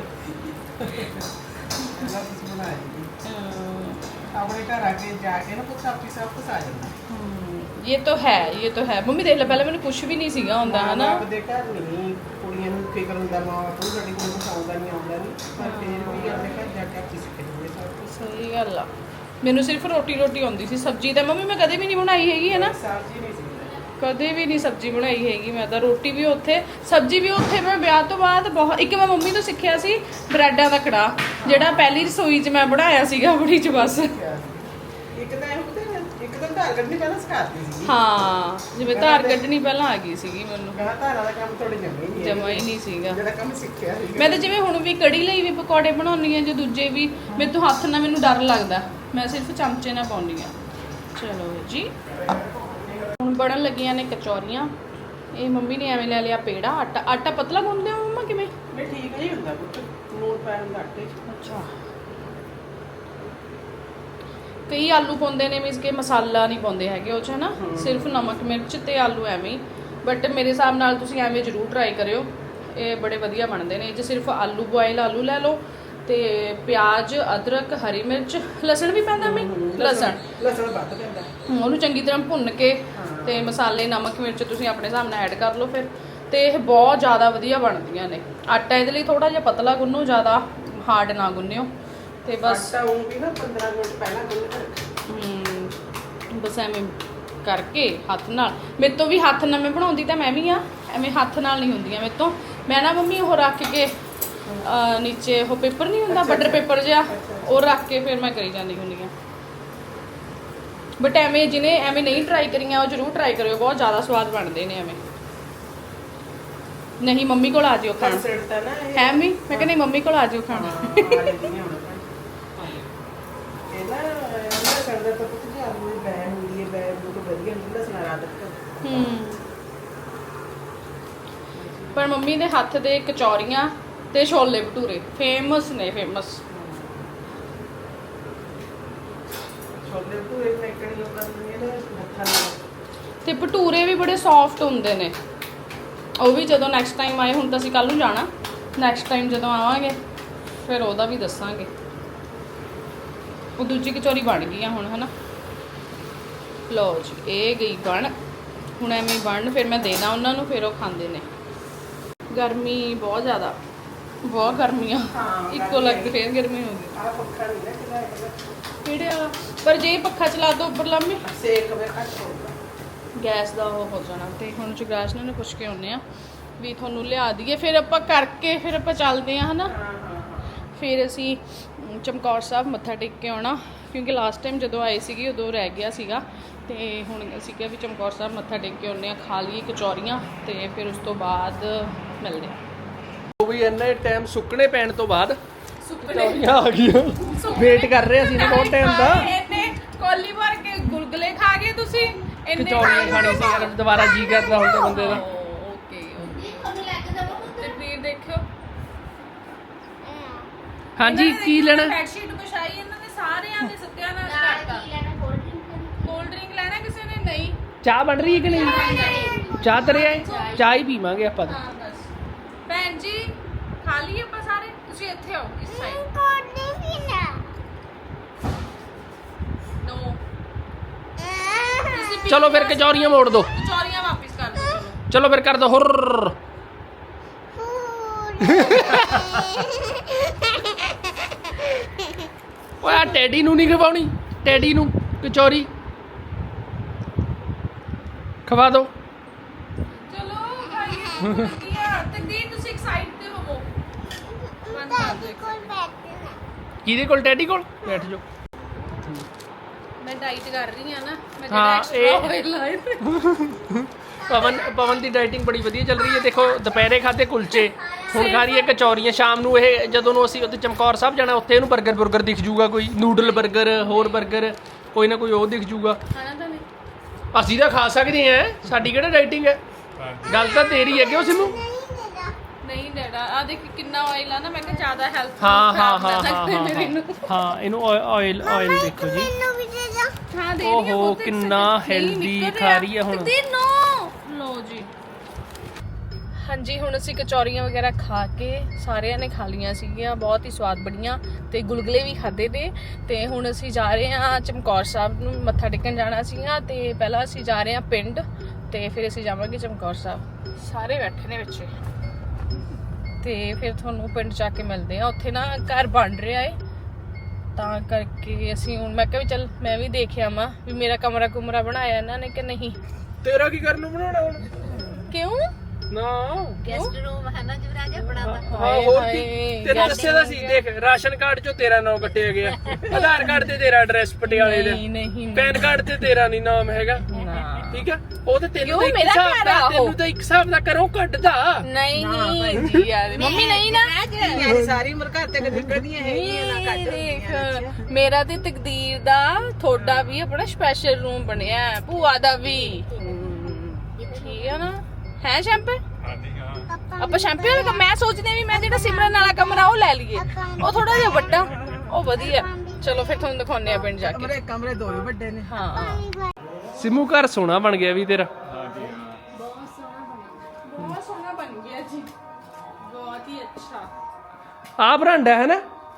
S7: ਪਹਿਲਾਂ ਤੁਸੀਂ ਬਣਾਏ ਆਪਣੇ ਘਰ ਆ ਕੇ ਜਾ ਕੇ ਨਾ ਕੁਛ ਆਪੀ ਸਭ ਕੁਛ ਆ ਜਾਂਦਾ।
S1: ਇਹ ਤਾਂ ਹੈ, ਇਹ ਤਾਂ ਹੈ। ਮੰਮੀ ਦੇਖ ਲੈ, ਪਹਿਲਾਂ ਮੈਨੂੰ ਕੁਝ ਵੀ ਨਹੀਂ ਸੀਗਾ ਹੁੰਦਾ ਹਨਾ।
S7: ਆਪ ਦੇ ਘਰ ਨਹੀਂ ਕੁੜੀਆਂ ਨੂੰ ਫਿਕਰ ਹੁੰਦਾ ਮਾਂ ਬਾਪ ਨੂੰ ਸਾਡੀ ਕੁੜੀ ਨੂੰ ਆਉਂਦਾ ਨਹੀਂ ਆਉਂਦਾ ਨਹੀਂ, ਪਰ ਫਿਰ ਵੀ ਆਪਣੇ ਘਰ ਜਾ ਕੇ ਆਪੀ ਸਿੱਖ ਜਾਂਦੇ ਸਭ ਕੁਛ।
S1: ਸਹੀ ਗੱਲ ਆ। ਮੈਨੂੰ ਸਿਰਫ ਰੋਟੀ ਰੋਟੀ ਆਉਂਦੀ ਸੀ, ਸਬਜ਼ੀ ਤਾਂ ਮੰਮੀ ਮੈਂ ਕਦੇ ਵੀ ਨਹੀਂ ਬਣਾਈ ਹੈਗੀ ਹੈ ਨਾ।
S7: ਸਬਜ਼ੀ ਨਹੀਂ ਸੀ
S1: ਕਦੇ ਵੀ ਨਹੀਂ ਸਬਜ਼ੀ ਬਣਾਈ ਹੈਗੀ ਮੈਂ ਤਾਂ। ਰੋਟੀ ਵੀ ਉੱਥੇ, ਸਬਜ਼ੀ ਵੀ ਉੱਥੇ। ਮੈਂ ਵਿਆਹ ਤੋਂ ਬਾਅਦ ਬਹੁਤ, ਇੱਕ ਮੈਂ ਮੰਮੀ ਤੋਂ ਸਿੱਖਿਆ ਸੀ ਬ੍ਰੈਡਾਂ ਦਾ ਕੜਾਹ, ਜਿਹੜਾ ਪਹਿਲੀ ਰਸੋਈ 'ਚ ਮੈਂ ਬਣਾਇਆ ਸੀਗਾ ਆਪਣੀ 'ਚ ਬਸ।
S7: ਇੱਕ ਤਾਂ ਇਹ ਪਤਾ ਇੱਕ ਤਾਂ ਧਾਰ ਕੱਢਣੀ ਪਹਿਲਾਂ ਸਿਖਾਤੀ ਸੀ
S1: ਹਾਂ ਜਿਵੇਂ ਧਾਰ ਕੱਢਣੀ ਪਹਿਲਾਂ ਆ ਗਈ ਸੀਗੀ ਮੈਨੂੰ
S7: ਕਹਾ ਧਾਰਾਂ ਦਾ ਕੰਮ ਥੋੜੇ ਜਮੇ ਨਹੀਂ
S1: ਜਮਾ ਹੀ ਨਹੀਂ ਸੀਗਾ
S7: ਜਿਹੜਾ ਕੰਮ ਸਿੱਖਿਆ ਸੀ
S1: ਮੈਂ ਤਾਂ ਜਿਵੇਂ ਹੁਣ ਵੀ ਕੜੀ ਲਈ ਵੀ ਪਕੌੜੇ ਬਣਾਉਣੀ ਆ ਜਾਂ ਦੂਜੇ ਵੀ ਮੇਰੇ ਤੋਂ ਹੱਥ ਨਾਲ ਮੈਨੂੰ ਡਰ ਲੱਗਦਾ ਮੈਂ ਸਿਰਫ ਚਮਚੇ ਨਾਲ ਪਾਉਂਦੀ ਆ ਚਲੋ ਜੀ ਹੁਣ ਬਣਨ ਲੱਗੀਆਂ ਨੇ ਕਚੌਰੀਆਂ ਇਹ ਮੰਮੀ ਨੇ ਐਵੇਂ ਲੈ ਲਿਆ ਪੇੜਾ ਆਟਾ ਆਟਾ ਪਤਲਾ ਗੁੰਨਦੇ ਹੋ ਮੰਮਾ ਕਿਵੇਂ
S7: ਨਹੀਂ ਠੀਕ ਨਹੀਂ ਹੁੰਦਾ ਪੁੱਤ ਨੂਣ ਪਾਇਆ ਹੁੰਦਾ ਆਟੇ 'ਚ
S1: ਅੱਛਾ ਕਈ ਆਲੂ ਪਾਉਂਦੇ ਨੇ ਮੀਨਸ ਕਿ ਮਸਾਲਾ ਨਹੀਂ ਪਾਉਂਦੇ ਹੈਗੇ ਉਹ 'ਚ ਹੈ ਨਾ ਸਿਰਫ ਨਮਕ ਮਿਰਚ ਤੇ ਆਲੂ ਐਵੇਂ ਹੀ ਬਟ ਮੇਰੇ ਹਿਸਾਬ ਨਾਲ ਤੁਸੀਂ ਐਵੇਂ ਜ਼ਰੂਰ ਟਰਾਈ ਕਰਿਓ ਇਹ ਬੜੇ ਵਧੀਆ ਬਣਦੇ ਨੇ ਇਹ 'ਚ ਸਿਰਫ ਆਲੂ ਬੋਇਲ ਆਲੂ ਲੈ ਲਓ ਤੇ ਪਿਆਜ਼ ਅਦਰਕ ਹਰੀ ਮਿਰਚ ਲਸਣ ਵੀ ਪੈਂਦਾ ਮੈਂ ਲਸਣ
S7: ਲਸਣ ਵੱਧ ਪੈਂਦਾ
S1: ਉਹਨੂੰ ਚੰਗੀ ਤਰ੍ਹਾਂ ਭੁੰਨ ਕੇ ਤੇ ਮਸਾਲੇ ਨਮਕ ਮਿਰਚ ਤੁਸੀਂ ਆਪਣੇ ਹਿਸਾਬ ਨਾਲ ਐਡ ਕਰ ਲਓ ਫਿਰ ਤੇ ਇਹ ਬਹੁਤ ਜ਼ਿਆਦਾ ਵਧੀਆ ਬਣਦੀਆਂ ਨੇ ਆਟਾ ਇਹਦੇ ਲਈ ਥੋੜਾ ਜਿਹਾ ਪਤਲਾ ਗੁੰਨੋ ਜ਼ਿਆਦਾ ਹਾਰਡ ਨਾ ਗੁੰਨਿਓ ਤੇ ਬਸ
S7: ਆਟਾ ਉਹ ਵੀ ਨਾ ਪੰਦਰਾਂ ਮਿੰਟ ਪਹਿਲਾਂ ਗੁੰਨ ਕੇ ਰੱਖੋ
S1: ਹਮ, ਬਸ ਐਵੇਂ ਕਰਕੇ ਹੱਥ ਨਾਲ ਮੇਰੇ ਤੋਂ ਵੀ ਹੱਥ ਨਾਲ ਮੈਂ ਬਣਾਉਂਦੀ ਤਾਂ ਮੈਂ ਵੀ ਆ ਐਵੇਂ ਹੱਥ ਨਾਲ ਨਹੀਂ ਹੁੰਦੀਆਂ ਮੇਰੇ ਤੋਂ ਮੈਂ ਨਾ ਮੰਮੀ ਉਹ ਰੱਖ ਕੇ ਅਹ ਨੀਚੇ ਉਹ ਪੇਪਰ ਨਹੀਂ ਹੁੰਦਾ ਬਟਰ ਪੇਪਰ ਜਿਹਾ ਉਹ ਰੱਖ ਕੇ ਫਿਰ ਮੈਂ ਕਰੀ ਜਾਂਦੀ ਹੁੰਦੀ ਆ ਬਟ ਐਵੇਂ ਜਿਹਨੇ ਐਵੇਂ ਨਹੀਂ ਟਰਾਈ ਕਰੀਆਂ ਉਹ ਜ਼ਰੂਰ ਟਰਾਈ ਕਰਿਓ ਬਹੁਤ ਜ਼ਿਆਦਾ ਸਵਾਦ ਬਣਦੇ ਨੇ ਐਵੇਂ ਨਹੀਂ ਮੰਮੀ ਕੋਲ ਆ ਜਿਓ ਖਾਣ
S7: ਸਿਰ ਤਾਂ ਨਾ ਇਹ
S1: ਹੈ ਵੀ ਮੈਂ ਕਹਿੰਦੀ ਮੰਮੀ ਕੋਲ ਆ ਜਿਓ ਖਾਣ
S7: ਆ ਲੈਂਦੀਆਂ ਹੁਣ ਇਹ ਨਾ ਇਹਨਾਂ ਕਰਦਾ ਤਾਂ ਪੁੱਤ ਜੀ ਆਲੂ ਦੀ ਬੈ ਹੁੰਦੀ ਹੈ ਬੈ ਬਹੁਤ ਵਧੀਆ ਨਹੀਂ ਲਸਣਾ ਰਾਤ ਤੱਕ
S1: ਹੂੰ ਪਰ ਮੰਮੀ ਦੇ ਹੱਥ ਦੇ ਕਚੌਰੀਆਂ ਤੇ ਛੋਲੇ ਭਟੂਰੇ ਫੇਮਸ ਨੇ ਫੇਮਸ
S7: ਛੋਲੇ ਪੂਰੇ ਫੈਕਟਰੀ ਲੋਕਾਂ ਦੀ ਇਹਨੇ ਹੱਥਾਂ ਨਾਲ
S1: ਤੇ ਭਟੂਰੇ ਵੀ ਬੜੇ ਸੌਫਟ ਹੁੰਦੇ ਨੇ ਉਹ ਵੀ ਜਦੋਂ ਨੈਕਸਟ ਟਾਈਮ ਆਏ ਹੁਣ ਤਾਂ ਅਸੀਂ ਕੱਲ ਨੂੰ ਜਾਣਾ ਨੈਕਸਟ ਟਾਈਮ ਜਦੋਂ ਆਵਾਂਗੇ ਫਿਰ ਉਹਦਾ ਵੀ ਦੱਸਾਂਗੇ ਉਹ ਦੂਜੀ ਕਚੌਰੀ ਬਣ ਗਈ ਆ ਹੁਣ ਹਨਾ ਲਓ ਜੀ ਇਹ ਗਈ ਬਣ ਹੁਣ ਐਵੇਂ ਬਣ ਫਿਰ ਮੈਂ ਦੇਣਾ ਉਹਨਾਂ ਨੂੰ ਫਿਰ ਉਹ ਖਾਂਦੇ ਨੇ ਗਰਮੀ ਬਹੁਤ ਜ਼ਿਆਦਾ ਬਹੁਤ ਗਰਮੀ ਆ ਇੱਕੋ ਲੱਗਦੀ ਫੇਰ ਗਰਮੀ ਹੋ ਗਈ
S7: ਆ ਪੱਖਾ ਨਹੀਂ ਨਾ ਕਿਹਦਾ ਹੈਗਾ
S1: ਕਿਹੜੇ ਵਾਲਾ ਪਰ ਜੇ ਪੱਖਾ ਚਲਾ ਦੋ ਉੱਪਰ ਲੰਮੇ
S7: ਸੇਕ ਵੇ ਘੱਟ ਹੋਊਗਾ
S1: ਗੈਸ ਦਾ ਉਹ ਹੋ ਜਾਣਾ ਤੇ ਹੁਣ ਜਗਰਾਜ ਨੂੰ ਪੁੱਛ ਕੇ ਆਉਂਦੇ ਆ ਵੀ ਤੁਹਾਨੂੰ ਲਿਆ ਦਈਏ ਫਿਰ ਆਪਾਂ ਕਰਕੇ ਫਿਰ ਆਪਾਂ ਚੱਲਦੇ ਆ ਹਨਾ ਫਿਰ ਅਸੀਂ ਚਮਕੌਰ ਸਾਹਿਬ ਮੱਥਾ ਟੇਕ ਕੇ ਆਉਣਾ ਕਿਉਂਕਿ ਲਾਸਟ ਟਾਈਮ ਜਦੋਂ ਆਏ ਸੀਗੇ ਉਦੋਂ ਰਹਿ ਗਿਆ ਸੀਗਾ ਤੇ ਹੁਣ ਅਸੀਂ ਕਿਹਾ ਵੀ ਚਮਕੌਰ ਸਾਹਿਬ ਮੱਥਾ ਟੇਕ ਕੇ ਆਉਂਦੇ ਆ ਖਾ ਲਈਏ ਕਚੌਰੀਆਂ ਤੇ ਫਿਰ ਉਸ ਤੋਂ ਬਾਅਦ ਮਿਲਦੇ ਆ
S2: ਉਹ ਵੀ ਇੰਨੇ ਟਾਈਮ ਸੁੱਕਣੇ ਪੈਣ ਤੋਂ ਬਾਅਦ ਕਚੌਰੀਆਂ ਆ ਗਈਆਂ ਵੇਟ ਕਰ ਰਹੇ ਅਸੀਂ ਨਾ ਬਹੁਤ ਟਾਈਮ ਦਾ
S1: ਇਹਨੇ ਕੋਲੀ ਭਰ ਕੇ ਗੁਲਗੁਲੇ ਖਾ ਗਏ ਤੁਸੀਂ ਇੰਨੇ
S2: ਕਚੌਰੀਆਂ ਖਾਣੀ ਸੀ ਯਾਰ ਦੁਬਾਰਾ ਜੀ ਕਰਦਾ ਹੁਣ ਤਾਂ ਬੰਦੇ ਦਾ
S1: ਓਕੇ ਤੇ ਫਿਰ ਦੇਖਿਓ
S2: ਹਾਂਜੀ ਕੀ ਲੈਣਾ
S1: ਬੈੱਡ ਸ਼ੀਟ ਵਿਛਾਈ ਇਹਨਾਂ ਨੇ ਸਾਰਿਆਂ ਨੇ ਸੱਤਿਆਂ ਨਾਲ ਕਰਤਾ ਕੋਲਡ ਡਰਿੰਕ ਲੈਣਾ ਕਿਸੇ ਨੇ ਨਹੀਂ
S2: ਚਾਹ ਬਣ ਰਹੀ ਹੈ ਕਿ ਨਹੀਂ ਚਾਹ ਤਰੇ ਆਏ ਚਾਹ ਹੀ ਪੀਵਾਂਗੇ ਆਪਾਂ ਤਾਂ
S1: ਹਾਂ ਬਸ ਭੈਣ ਜੀ ਖਾ ਲਈਏ ਆਪਾਂ ਸਾਰੇ ਤੁਸੀਂ ਇੱਥੇ ਆਓ ਇਸ ਸਾਈਡ
S3: ਕੋਡੀ ਵੀ ਨਾ
S1: ਨੋ
S2: ਚਲੋ ਫਿਰ ਕਚੌਰੀਆਂ ਮੋੜ ਦੋ
S1: ਕਚੌਰੀਆਂ ਵਾਪਿਸ ਕਰ ਦਿਓ ਚਲੋ
S2: ਚਲੋ ਫਿਰ ਕਰ ਦੋ ਹੁਰ ਓਏ ਆਹ ਟੈਡੀ ਨੂੰ ਨਹੀਂ ਖਵਾਉਣੀ ਟੈਡੀ ਨੂੰ ਕਚੌਰੀ ਖਵਾ ਦੋ
S1: ਚਲੋ ਖਾਈਏ ਵਧੀਆ ਤਕਦੀਰ ਤੁਸੀਂ ਇੱਕ ਸਾਈਡ ਤੇ ਹੋਵੋ ਬੰਦ ਕਰ ਦਿਓ ਇੱਕ
S3: ਕੋਲ
S1: second।
S3: ਬੈਠਣਾ
S2: ਕਿਹਦੇ ਕੋਲ ਟੈਡੀ ਕੋਲ ਬੈਠ ਜਾਓ
S1: ਮੈਂ ਡਾਈਟ ਕਰ ਰਹੀ ਆ ਨਾ ਮੈਂ
S2: ਹਾਂ,
S1: ਜਿਹੜਾ
S2: ਇਹ-
S1: ਐਕਸਟਰਾ ਆਇਲ ਲਾਏ ਤੇ
S2: ਪਵਨ ਪਵਨ ਦੀ ਡਾਈਟਿੰਗ ਬੜੀ ਵਧੀਆ ਚੱਲ ਰਹੀ ਹੈ ਦੇਖੋ ਦੁਪਹਿਰੇ ਖਾਦੇ ਕੁਲਚੇ ਹੁਣ ਖਾ ਰਹੀ ਹੈ ਕਚੌਰੀਆਂ ਸ਼ਾਮ ਨੂੰ ਇਹ ਜਦੋਂ ਨੂੰ ਅਸੀਂ ਉੱਥੇ ਚਮਕੌਰ ਸਾਹਿਬ ਜਾਣਾ ਉੱਥੇ ਇਹਨੂੰ 버ਗਰ 버ਗਰ ਦਿਖ ਜੂਗਾ ਕੋਈ ਨੂਡਲ 버ਗਰ ਹੋਰ 버ਗਰ ਕੋਈ ਨਾ ਕੋਈ ਉਹ ਦਿਖ ਜੂਗਾ
S1: ਖਾਣਾ ਤਾਂ ਨਹੀਂ
S2: ਅਸੀਂ ਤਾਂ ਖਾ ਸਕਦੇ ਹਾਂ ਸਾਡੀ ਕਿਹੜਾ ਡਾਈਟਿੰਗ ਹੈ ਗੱਲ ਤਾਂ ਤੇਰੀ ਹੈ ਕਿਉਂ ਸਿਮੂ
S1: ਨਹੀਂ ਡੈਡਾ ਆ ਦੇਖ ਕਿੰਨਾ ਆਇਲ ਆ ਨਾ ਮੈਂ ਕਿਹਾ ਜ਼ਿਆਦਾ ਹੈਲਥ
S2: ਹਾਂ ਹਾਂ ਹਾਂ ਹਾਂ ਹਾਂ ਹਾਂ ਇਹਨੂੰ ਆਇਲ ਆਇਲ ਦੇਖੋ ਜੀ
S3: ਮੈਨੂੰ ਵੀ ਦੇ ਜਾ
S1: ਹਾਂ ਦੇ ਰਹੀ ਹਾਂ
S2: ਓਹੋ,
S1: ਬਹੁਤ
S2: ਕਿੰਨਾ
S1: ਨਹੀਂ
S2: healthy
S1: ਨਿਕਲ
S2: ਖਾ ਰਹੀ ਹੈ ਹੁਣ।
S1: ਤਕਦੀਰ ਨੋ ਲੋ ਜੀ ਹਾਂਜੀ ਹੁਣ ਅਸੀਂ ਕਚੌਰੀਆਂ ਵਗੈਰਾ ਖਾ ਕੇ ਸਾਰਿਆਂ ਨੇ ਖਾ ਲੀਆਂ ਸੀਗੀਆਂ ਬਹੁਤ ਹੀ ਸਵਾਦ ਬਣੀਆਂ ਤੇ ਗੁਲਗੁਲੇ ਵੀ ਖਾਦੇ ਨੇ ਤੇ ਹੁਣ ਅਸੀਂ ਜਾ ਰਹੇ ਹਾਂ ਚਮਕੌਰ ਸਾਹਿਬ ਨੂੰ ਮੱਥਾ ਟੇਕਣ ਜਾਣਾ ਸੀਗਾ ਤੇ ਪਹਿਲਾਂ ਅਸੀਂ ਜਾ ਰਹੇ ਹਾਂ ਪਿੰਡ ਤੇ ਫਿਰ ਅਸੀਂ ਜਾਵਾਂਗੇ ਚਮਕੌਰ ਸਾਹਿਬ ਸਾਰੇ ਬੈਠੇ ਨੇ ਵਿੱਚ ਤੇ ਫਿਰ ਤੁਹਾਨੂੰ ਪਿੰਡ ਜਾ ਕੇ ਮਿਲਦੇ ਆ ਉੱਥੇ ਨਾ ਘਰ ਬਣ ਰਿਹਾ ਏ ਤਾਂ ਕਰਕੇ ਅਸੀਂ ਹੁਣ ਮੈਂ ਕਿਹਾ ਵੀ ਚੱਲ ਮੈਂ ਵੀ ਦੇਖ ਆਵਾਂ ਵੀ ਮੇਰਾ ਕਮਰਾ ਕੁਮਰਾ ਬਣਾਇਆ ਇਹਨਾਂ ਨੇ ਕਿ ਨਹੀਂ
S2: ਤੇਰਾ ਕੀ ਕਰਨ ਨੂੰ ਬਣਾਉਣਾ ਹੁਣ
S1: ਕਿਉਂ
S2: ਨਾ
S5: ਗੈਸਟ ਰੂਮ ਹੈ ਨਾ ਜੁਰਾਜ ਆਪਣਾ ਦਾ
S2: ਹਾਂ ਹੋਰ ਕੀ ਤੈਨੂੰ ਦੱਸਿਆ ਤਾਂ ਸੀ ਦੇਖ ਰਾਸ਼ਨ ਕਾਰਡ ਚੋਂ ਤੇਰਾ ਨਾਮ ਕੱਟਿਆ ਗਿਆ ਆਧਾਰ ਕਾਰਡ ਤੇ ਤੇਰਾ ਐਡਰੈਸ ਪਟਿਆਲੇ ਦਾ
S1: ਨਹੀਂ ਨਹੀਂ
S2: ਪੈਨ ਕਾਰਡ ਤੇ ਤੇਰਾ ਨਹੀਂ ਨਾਮ ਹੈਗਾ ਠੀਕ ਹੈ ਉਹ ਤੇ ਤੈਨੂੰ ਤਾਂ ਇੱਕ ਹਿਸਾਬ ਦਾ ਤੈਨੂੰ ਤਾਂ ਇੱਕ ਹਿਸਾਬ ਦਾ ਕਰੋ ਕੱਢਦਾ
S1: ਨਹੀਂ ਨਹੀਂ ਜੀ ਯਾਰ ਮੰਮੀ ਨਹੀਂ ਨਾ
S7: ਯਾਰ ਸਾਰੀ ਉਮਰ ਘਰ ਤੇ ਨਿਕਲਦੀਆਂ ਹੈਗੀਆਂ ਨਾ ਕੱਢ
S1: ਦੇਖ ਮੇਰਾ ਤੇ ਤਕਦੀਰ ਦਾ ਤੁਹਾਡਾ ਵੀ ਆਪਣਾ ਸਪੈਸ਼ਲ ਰੂਮ ਬਣਿਆ ਹੈ, ਭੂਆ ਦਾ ਵੀ ਠੀਕ ਹੈ ਨਾ ਹੈ ਸ਼ੈਂਪੇ ਆਪਾਂ ਸ਼ੈਂਪੇ ਵਾਲਾ ਕੰਮ ਮੈਂ ਸੋਚਦੀ ਵੀ ਮੈਂ ਜਿਹੜਾ ਸਿਮਰਨ ਵਾਲਾ ਕਮਰਾ ਉਹ ਲੈ ਲਈਏ ਉਹ ਥੋੜਾ ਜਿਹਾ ਵੱਡਾ ਉਹ ਵਧੀਆ ਚਲੋ ਫਿਰ ਤੁਹਾਨੂੰ ਦਿਖਾਉਂਦੇ ਆ ਪਿੰਡ ਜਾ ਕੇ
S7: ਕਮਰੇ ਕਮਰੇ ਦੋ ਵੀ ਵੱਡੇ ਨੇ
S1: ਹਾਂ
S2: ਸਿਮੂ ਘਰ ਸੋਹਣਾ ਬਣ ਗਿਆ ਵੀ ਤੇਰਾ
S1: ਬਹੁਤ ਸੋਹਣਾ ਬਣ ਗਿਆ ਜੀ ਬਹੁਤ ਹੀ ਅੱਛਾ
S2: ਆ ਬਰਾਂਡਾ ਹੈ ਨਾ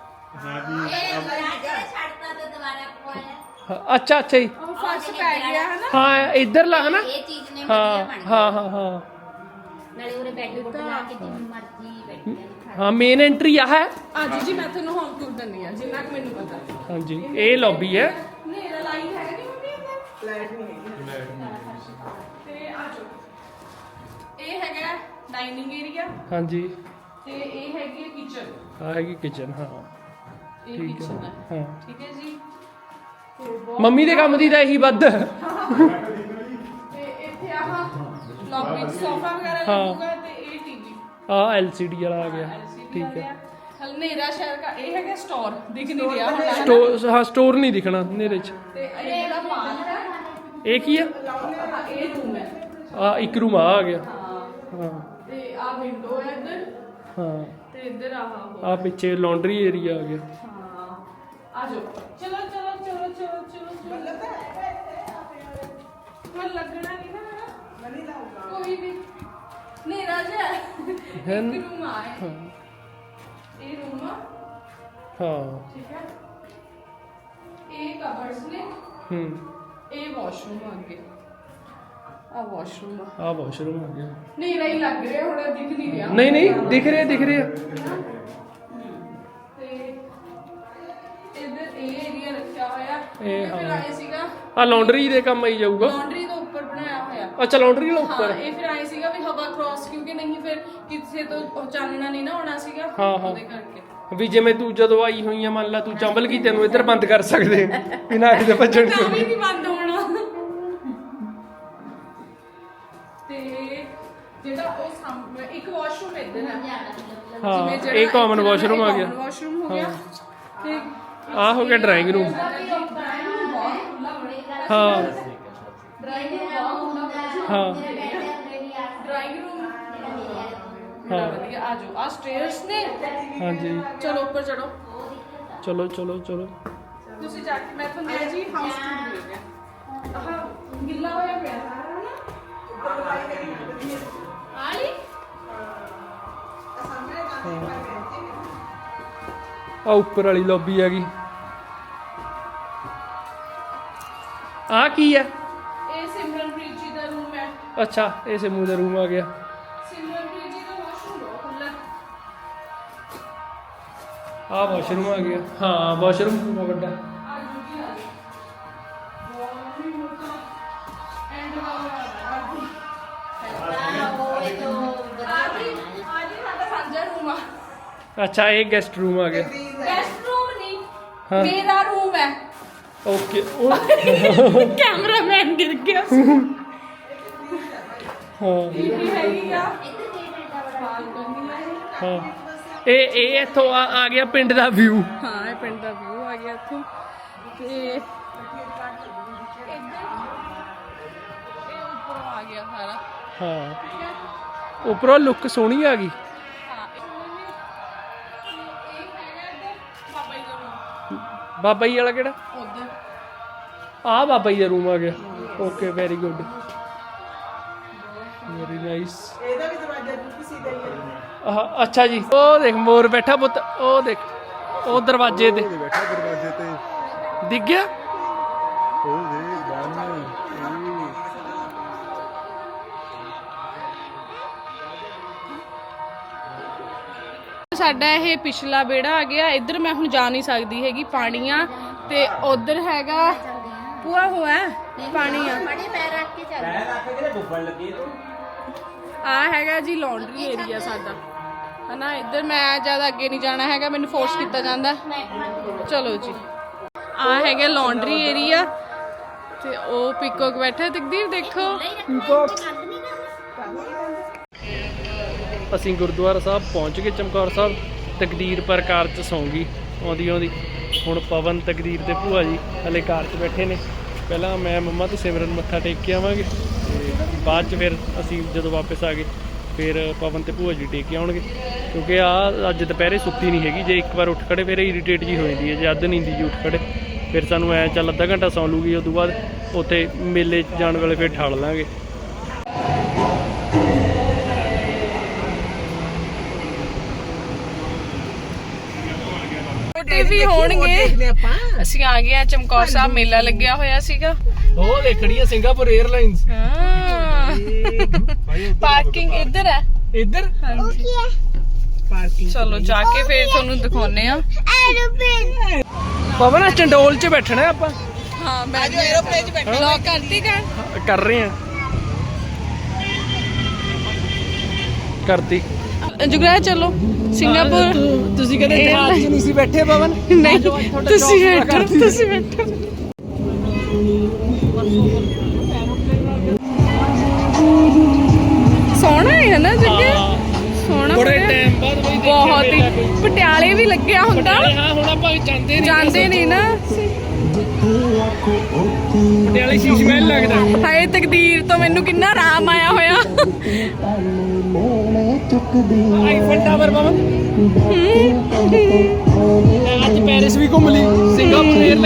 S5: ਛੱਡਤਾ ਤੇ ਦੁਬਾਰਾ ਪਵਾਇਆ
S2: ਅੱਛਾ ਅੱਛਾ ਜੀ
S1: ਉਹ ਫਰਸ਼ ਪੈ ਗਿਆ ਹੈ ਨਾ
S2: ਹਾਂ ਇੱਧਰ ਲਾ ਹਨਾ
S5: ਇਹ ਚੀਜ਼ ਨੇ
S2: ਹਾਂ
S5: ਵਧੀਆ ਬਣ
S2: ਹਾਂ ਹਾਂ ਹਾਂ
S5: ਨਾਲੇ ਉਹਨੇ ਬੈੱਡ ਬੁੱਡ ਲਾ ਕੇ ਜਿੰਨੀ ਮਰਜ਼ੀ ਬੈਠ ਕੇ
S2: ਹਾਂ ਮੇਨ ਐਂਟਰੀ ਆ ਹੈ
S1: ਅੱਜ ਜੀ ਮੈਂ ਤੁਹਾਨੂੰ ਹੋਮ ਟੂਰ ਦਿੰਨੀ ਆ ਜਿੰਨਾ ਕਿ ਮੈਨੂੰ ਪਤਾ
S2: ਹਾਂਜੀ ਇਹ ਲੌਬੀ ਹੈ
S1: ਨੇਰਾ ਲਾਈਟ ਹੈਗਾ ਨਹੀਂ ਮੰਮੀ ਇੱਧਰ
S7: ਫਲੈਟ ਨਹੀਂ ਹੈਗੀ
S1: ਤੇ ਆ ਜਾਓ ਇਹ ਹੈਗਾ ਡਾਈਨਿੰਗ ਏਰੀਆ
S2: ਹਾਂਜੀ
S1: ਤੇ ਇਹ ਹੈਗੀ ਕਿਚਨ
S2: ਆ ਹੈਗੀ ਕਿਚਨ ਹਾਂ
S1: ਇਹ
S2: ਠੀਕ ਹੈ
S1: ਕਿਚਨ ਹੈ
S2: ਹਾਂ
S1: ਠੀਕ ਹੈ ਜੀ
S2: ਮੰਮੀ ਦੇ ਕੰਮ ਦੀ ਤਾਂ ਇਹੀ ਵੱਧ
S1: ਤੇ ਇੱਥੇ ਆਹ ਲੌਬੀ ਸੋਫਾ ਵਗੈਰਾ ਲੱਗੂਗਾ ਤੇ ਇਹ ਟੀਵੀ
S2: ਆ ਐਲ ਸੀ ਡੀ ਵਾਲਾ ਆ ਗਿਆ ਠੀਕ ਹੈ
S1: ਹਲਨੇਰਾ ਸ਼ਹਿਰ ਦਾ ਇਹ ਹੈਗਾ ਸਟੋਰ ਦਿਖ ਨਹੀਂ ਰਿਹਾ ਹੁਣ
S2: ਸਟੋਰ ਹਾਂ ਸਟੋਰ ਨਹੀਂ ਦਿਖਣਾ ਹਨੇਰੇ 'ਚ
S1: ਤੇ ਇਹ ਦਾ ਮਾਲ ਹੈ
S2: ਇਹ ਕੀ ਆ
S1: ਹਾਂ, ਇਹ ਰੂਮ ਹੈ
S2: ਆ ਇੱਕ ਰੂਮ ਆ ਗਿਆ
S1: ਹਾਂ
S2: ਹਾਂ
S1: ਤੇ ਆ ਵਿੰਡੋ ਹੈ ਇੱਧਰ
S2: ਹਾਂ
S1: ਤੇ ਇੱਧਰ ਆਹ ਉਹ
S2: ਆ ਪਿੱਛੇ ਲਾਂਡਰੀ ਏਰੀਆ ਆ ਗਿਆ
S1: ਹਾਂ ਆ ਜਾਓ ਚਲੋ ਚਲੋ ਚਲੋ ਚਲੋ ਚਲੋ ਚਲੋ ਮੈਂ ਲੱਗਣਾ ਨਹੀਂ ਨਾ
S7: ਮਨੀ ਲਾਊਗਾ
S1: ਕੋਈ ਵੀ ਨੇਰਾ ਜਿਹਾ
S2: ਹੈ
S1: ਇੱਕ
S2: ਨਾ?
S1: ਰੂਮ ਆ ਹੈ
S2: ਹਾਂ
S1: ਇਹ ਰੂਮ ਆ
S2: ਹਾਂ
S1: ਠੀਕ ਹੈ ਇਹ ਕਬਰਡਸ ਨੇ
S2: ਹੂੰ
S1: ਇਹ ਵਾਸ਼ਰੂਮ ਆ ਅੱਗੇ ਆ ਵਾਸ਼ਰੂਮ ਆ
S2: ਆ ਵਾਸ਼ਰੂਮ ਆ ਗਿਆ
S1: ਨੇਰਾ ਹੀ ਲੱਗ ਰਿਹਾ ਹੁਣ ਦਿਖ ਨਹੀਂ ਰਿਹਾ
S2: ਨਹੀਂ ਨਹੀਂ ਦਿਖ ਰਿਹਾ ਦਿਖ ਰਿਹਾ
S1: ਤੇ ਇੱਧਰ ਇਹ ਏਰੀਆ ਰੱਖਿਆ ਹੋਇਆ
S2: ਇਹ
S1: ਫਿਰ
S2: ਹਾਂ।
S1: ਆਏ ਸੀਗਾ
S2: ਆ ਲਾਂਡਰੀ ਦੇ ਕੰਮ ਆਈ ਜਾਊਗਾ
S1: ਲਾਂਡਰੀ ਤੋਂ ਉੱਪਰ ਬਣਾਇਆ ਹੋਇਆ
S2: ਅੱਛਾ ਲਾਂਡਰੀ ਵਾਲਾ
S1: ਹਾਂ
S2: ਉੱਪਰ
S1: ਇਹ ਫਿਰ ਆਏ ਸੀਗਾ ਵੀ ਹਵਾ ਕ੍ਰਾਸ ਕਿਉਂਕਿ ਨਹੀਂ ਫਿਰ ਕਿਸੇ ਤੋਂ ਉਹ ਚਾਨਣਾ ਨਹੀਂ ਨਾ ਆਉਣਾ ਸੀਗਾ
S2: ਹਾਂ, ਹਾਂ।
S1: ਉਹਦੇ ਕਰਕੇ
S2: ਵੀ ਜਿਵੇਂ ਤੂੰ ਜਦੋਂ ਆਈ ਹੋਈ ਆ ਮੰਨ ਲਾ ਤੂੰ ਚੰਬਲ ਗਈ ਤੈਨੂੰ ਇੱਧਰ ਬੰਦ ਕਰ ਸਕਦੇ ਬਿਨਾਂ ਕਿਤੇ ਭੱਜਣ
S1: ਤਾਂ ਵੀ
S2: ਤੋਂ
S1: ਨਹੀਂ ਬੰਦ ਹੋਣਾ ਤੇ ਜਿਹੜਾ ਉਹ ਸਾਹਮਣੇ ਇੱਕ ਵਾਸ਼ਰੂਮ ਇੱਧਰ ਹੈ
S2: ਹਾਂ
S1: ਜਿਹੜਾ
S2: ਇਹ ਕਾਮਨ
S1: ਇੱਧਰ
S2: ਵਾਸ਼ਰੂਮ ਆ
S1: common
S2: ਗਿਆ
S1: ਵਾਸ਼ਰੂਮ ਹੋ ਗਿਆ ਤੇ
S2: ਆ ਹੋ ਗਿਆ ਡਰਾਇੰਗ ਰੂਮ ਹਾਂ
S1: ਡਰਾਇੰਗ ਰੂਮ
S2: ਹਾਂ
S1: ਡਰਾਇੰਗ ਰੂਮ
S2: ਹਾਂ
S1: ਵਧੀਆ ਆ ਜਾਓ ਆ ਸਟੇਅਰਸ ਨੇ
S2: ਹਾਂਜੀ
S1: ਚਲੋ ਉੱਪਰ ਚੜੋ
S2: ਚਲੋ ਚਲੋ ਚਲੋ
S1: ਤੁਸੀਂ ਜਾ ਕੇ ਮੈਂ ਤੁਹਾਨੂੰ ਦੇ ਜੀ ਹਾਊਸ ਟੂਰ ਦੇ ਗਿਆ ਆਹ ਗਿੱਲਾ ਹੋਇਆ ਪਿਆ ਸਾਰਾ ਨਾ ਆਲੀ
S2: ਆ ਉੱਪਰ ਵਾਲੀ ਲੌਬੀ ਆ ਗਈ ਆ ਕੀ ਹੈ
S1: ਇਹ ਸਿਮਰਨਪ੍ਰੀਤ ਜੀ ਦਾ ਰੂਮ ਹੈ
S2: ਅੱਛਾ ਇਹ ਸਿਮੂ ਦਾ ਰੂਮ ਆ ਗਿਆ
S1: ਸਿਮਰਨਪ੍ਰੀਤ ਜੀ ਦਾ ਵਾਸ਼ਰੂਮ ਬਹੁਤ ਖੁੱਲਾ
S2: ਆ ਵਾਸ਼ਰੂਮ ਆ ਗਿਆ ਹਾਂ ਵਾਸ਼ਰੂਮ ਬਹੁਤ ਵੱਡਾ
S1: ਆ ਜੂਗੀ ਆ ਬਹੁਤ ਹੀ ਮੋਟਾ ਐਂਡ ਵਾਲਾ
S5: ਉਹ ਤੋਂ
S1: ਆ ਜੀ ਆ ਜੀ ਸਾਡਾ ਸਾਂਝਾ ਰੂਮ ਆ
S2: ਅੱਛਾ ਇਹ ਗੈਸਟ ਰੂਮ ਆ ਗਿਆ
S1: ਗੈਸਟ ਰੂਮ ਨਹੀਂ
S2: ਹਾਂ।
S1: ਮੇਰਾ ਰੂਮ ਹੈ
S2: ਓਕੇ ਉਹ
S1: ਕੈਮਰਾਮੈਨ ਗਿਰ ਗਿਆ
S2: ਹਾਂ
S1: ਇਹ ਹੈਗੀ ਆ ਬਾਲਕਨੀ ਹੈ
S2: ਹਾਂ ਇਹ ਇਹ ਇੱਥੋਂ ਆ ਆ ਗਿਆ ਪਿੰਡ ਦਾ ਵਿਊ
S1: ਹਾਂ ਇਹ ਪਿੰਡ ਦਾ ਵਿਊ ਆ ਗਿਆ ਇੱਥੋਂ ਤੇ ਇੱਧਰ ਇਹ ਉੱਪਰ ਆ ਗਿਆ ਸਾਰਾ
S2: ਹਾਂ
S1: ਠੀਕ ਹੈ
S2: ਉੱਪਰੋਂ ਲੁੱਕ ਸੋਹਣੀ ਆ ਗਈ
S1: ਹਾਂ ਇਹ ਹੈਗਾ ਇੱਧਰ ਬਾਬਾ ਜੀ ਦਾ ਰੂਮ
S2: ਬਾਬਾ ਜੀ ਵਾਲਾ ਕਿਹੜਾ
S1: ਉੱਧਰ
S2: ਆ ਬਾਬਾ ਜੀ ਦਾ ਰੂਮ ਆ ਗਿਆ okay very good very nice
S7: ਇਹਦਾ ਵੀ ਦਰਵਾਜ਼ਾ ਕਿਸੇ ਦਾ ਹੀ ਹੈ
S2: ਆਹ ਅੱਛਾ ਜੀ ਉਹ ਦੇਖ ਮੋਰ ਬੈਠਾ ਪੁੱਤ ਉਹ ਦੇਖ ਉਹ ਦਰਵਾਜ਼ੇ ਤੇ
S6: ਬੈਠਾ ਦਰਵਾਜ਼ੇ ਤੇ
S2: ਦਿਖ ਗਿਆ
S6: ਉਹ ਦੇ ਬਾਹਰ
S1: ਸਾਡਾ ਇਹ ਪਿਛਲਾ ਵਿਹੜਾ ਆ ਗਿਆ ਇੱਧਰ ਮੈਂ ਹੁਣ ਜਾ ਨਹੀਂ ਸਕਦੀ ਹੈਗੀ ਪਾਣੀ ਆ ਤੇ ਉਧਰ ਹੈਗਾ ਪੂਆ ਹੋਇਆ ਪਾਣੀ ਆ
S5: ਮੜੇ ਪੈਰ ਰੱਖ ਕੇ ਚੱਲ
S1: ਆ ਹੈਗਾ ਜੀ ਲਾਂਡਰੀ ਏਰੀਆ ਸਾਡਾ ਹਨਾ। ਇੱਧਰ ਮੈਂ ਜ਼ਿਆਦਾ ਅੱਗੇ ਨਹੀਂ ਜਾਣਾ ਹੈਗਾ, ਮੈਨੂੰ ਫੋਰਸ ਕੀਤਾ ਜਾਂਦਾ। ਚਲੋ ਜੀ, ਆ ਹੈਗਾ ਲਾਂਡਰੀ ਏਰੀਆ ਤੇ ਉਹ ਪੀਕੋਕ ਬੈਠਾ। ਤਕਦੀਰ ਦੇਖੋ
S2: ਅਸੀਂ ਗੁਰਦੁਆਰਾ ਸਾਹਿਬ ਪਹੁੰਚ ਗਏ ਚਮਕੌਰ ਸਾਹਿਬ। ਤਕਦੀਰ ਪਰ ਕਾਰ 'ਚ ਸੌਂ ਗਈ ਆਉਂਦੀ ਆਉਂਦੀ। ਹੁਣ ਪਵਨ, ਤਕਦੀਰ ਤੇ ਭੂਆ ਜੀ ਹਲੇ ਕਾਰ 'ਚ ਬੈਠੇ ਨੇ। ਪਹਿਲਾਂ ਮੈਂ, ਮੰਮਾ ਤੇ ਸਿਮਰਨ ਮੱਥਾ ਟੇਕ ਕੇ ਆਵਾਂਗੇ ਤੇ ਬਾਅਦ 'ਚ ਫਿਰ ਅਸੀਂ ਜਦੋਂ ਵਾਪਸ ਆ ਗਏ ਫਿਰ ਪਵਨ ਤੇ ਭੂਆ ਜੀ ਟੇਕ ਕੇ ਆਉਣਗੇ। ਕਿਉਂਕਿ ਆ ਅੱਜ ਦੁਪਹਿਰੇ ਸੁੱਤੀ ਨਹੀਂ ਹੈਗੀ। ਜੇ ਇੱਕ ਵਾਰ ਉੱਠ ਖੜੇ ਫਿਰ ਇਰੀਟੇਟ ਜੀ ਹੋ ਜਾਂਦੀ ਹੈ। ਜੇ ਅੱਧ ਨੀਂਦੀ ਜੀ ਉੱਠ ਖੜੇ ਫਿਰ ਸਾਨੂੰ ਐਂ ਚੱਲ ਅੱਧਾ ਘੰਟਾ ਸੌਂ ਲੂਗੀ। ਉਸ ਤੋਂ ਬਾਅਦ ਉੱਥੇ ਮੇਲੇ 'ਚ ਜਾਣ ਵੇਲੇ ਫਿਰ ਠਾਲ ਲਾਂਗੇ।
S1: ਵੀ ਹੋਣਗੇ। ਅਸੀਂ ਆ ਗਏ ਆ ਚਮਕੌਰ ਸਾਹਿਬ, ਮੇਲਾ ਲੱਗਿਆ ਹੋਇਆ ਸੀਗਾ।
S2: ਉਹ ਦੇਖੜੀ ਆ ਸਿੰਗਾਪੁਰ 에ਅਰਲਾਈਨਸ।
S1: ਹਾਂ ਪਾਰਕਿੰਗ ਇੱਧਰ ਹੈ।
S2: ਇੱਧਰ
S1: ਹਾਂਜੀ ਚਲੋ ਜਾ ਕੇ ਫਿਰ ਤੁਹਾਨੂੰ ਦਿਖਾਉਨੇ ਆ।
S3: ਐਰੋਪਲੇਨ
S2: ਪਵਨ ਚੰਡੋਲ 'ਚ ਬੈਠਣਾ ਆਪਾਂ।
S1: ਹਾਂ ਮੈਂ ਐਰੋਪਲੇਨ 'ਚ ਬੈਠੀ। ਲੌਕ ਕਰਤੀ ਕਰ
S2: ਕਰ ਰਹੇ ਆ, ਕਰਤੀ।
S1: ਜੁਗਰਾ ਚਲੋ ਸਿੰਗਾਪੁਰ।
S2: ਤੁਸੀਂ ਕਹਿੰਦੇ ਜਹਾਜ਼ 'ਚ ਨਹੀਂ ਸੀ ਬੈਠੇ ਪਵਨ?
S1: ਨਹੀਂ ਤੁਸੀਂ ਬੈਠੋ, ਤੁਸੀਂ ਬੈਠੋ। ਸੋਹਣਾ ਹੈ ਨਾ ਜੱਗੇ, ਸੋਹਣਾ
S2: ਬੜੇ ਟਾਈਮ ਬਾਅਦ ਬਈ ਦੇਖਿਆ
S1: ਬਹੁਤ ਹੀ।
S2: ਮੇਲਾ ਕੋਈ।
S1: ਪਟਿਆਲੇ ਵੀ ਲੱਗਿਆ ਹੁੰਦਾ।
S2: ਹਾਂ ਹੁਣ ਆਪਾਂ ਜਾਂਦੇ ਨਹੀਂ
S1: ਜਾਂਦੇ ਨਹੀਂ ਨਾ।
S2: ਪਟਿਆਲੇ ਸ਼ੀਸ਼ ਮਹਿਲ ਲੱਗਦਾ।
S1: ਹਾਏ ਤਕਦੀਰ ਤੋਂ ਮੈਨੂੰ ਕਿੰਨਾ ਆਰਾਮ ਆਇਆ ਹੋਇਆ।
S2: Eiffel Tower Pawan. ਅੱਜ ਪੈਰਿਸ ਵੀ ਘੁੰਮ ਲਈ। ਸਿੰਗਾਪੁਰ 에ਅਰਲਾਈਨ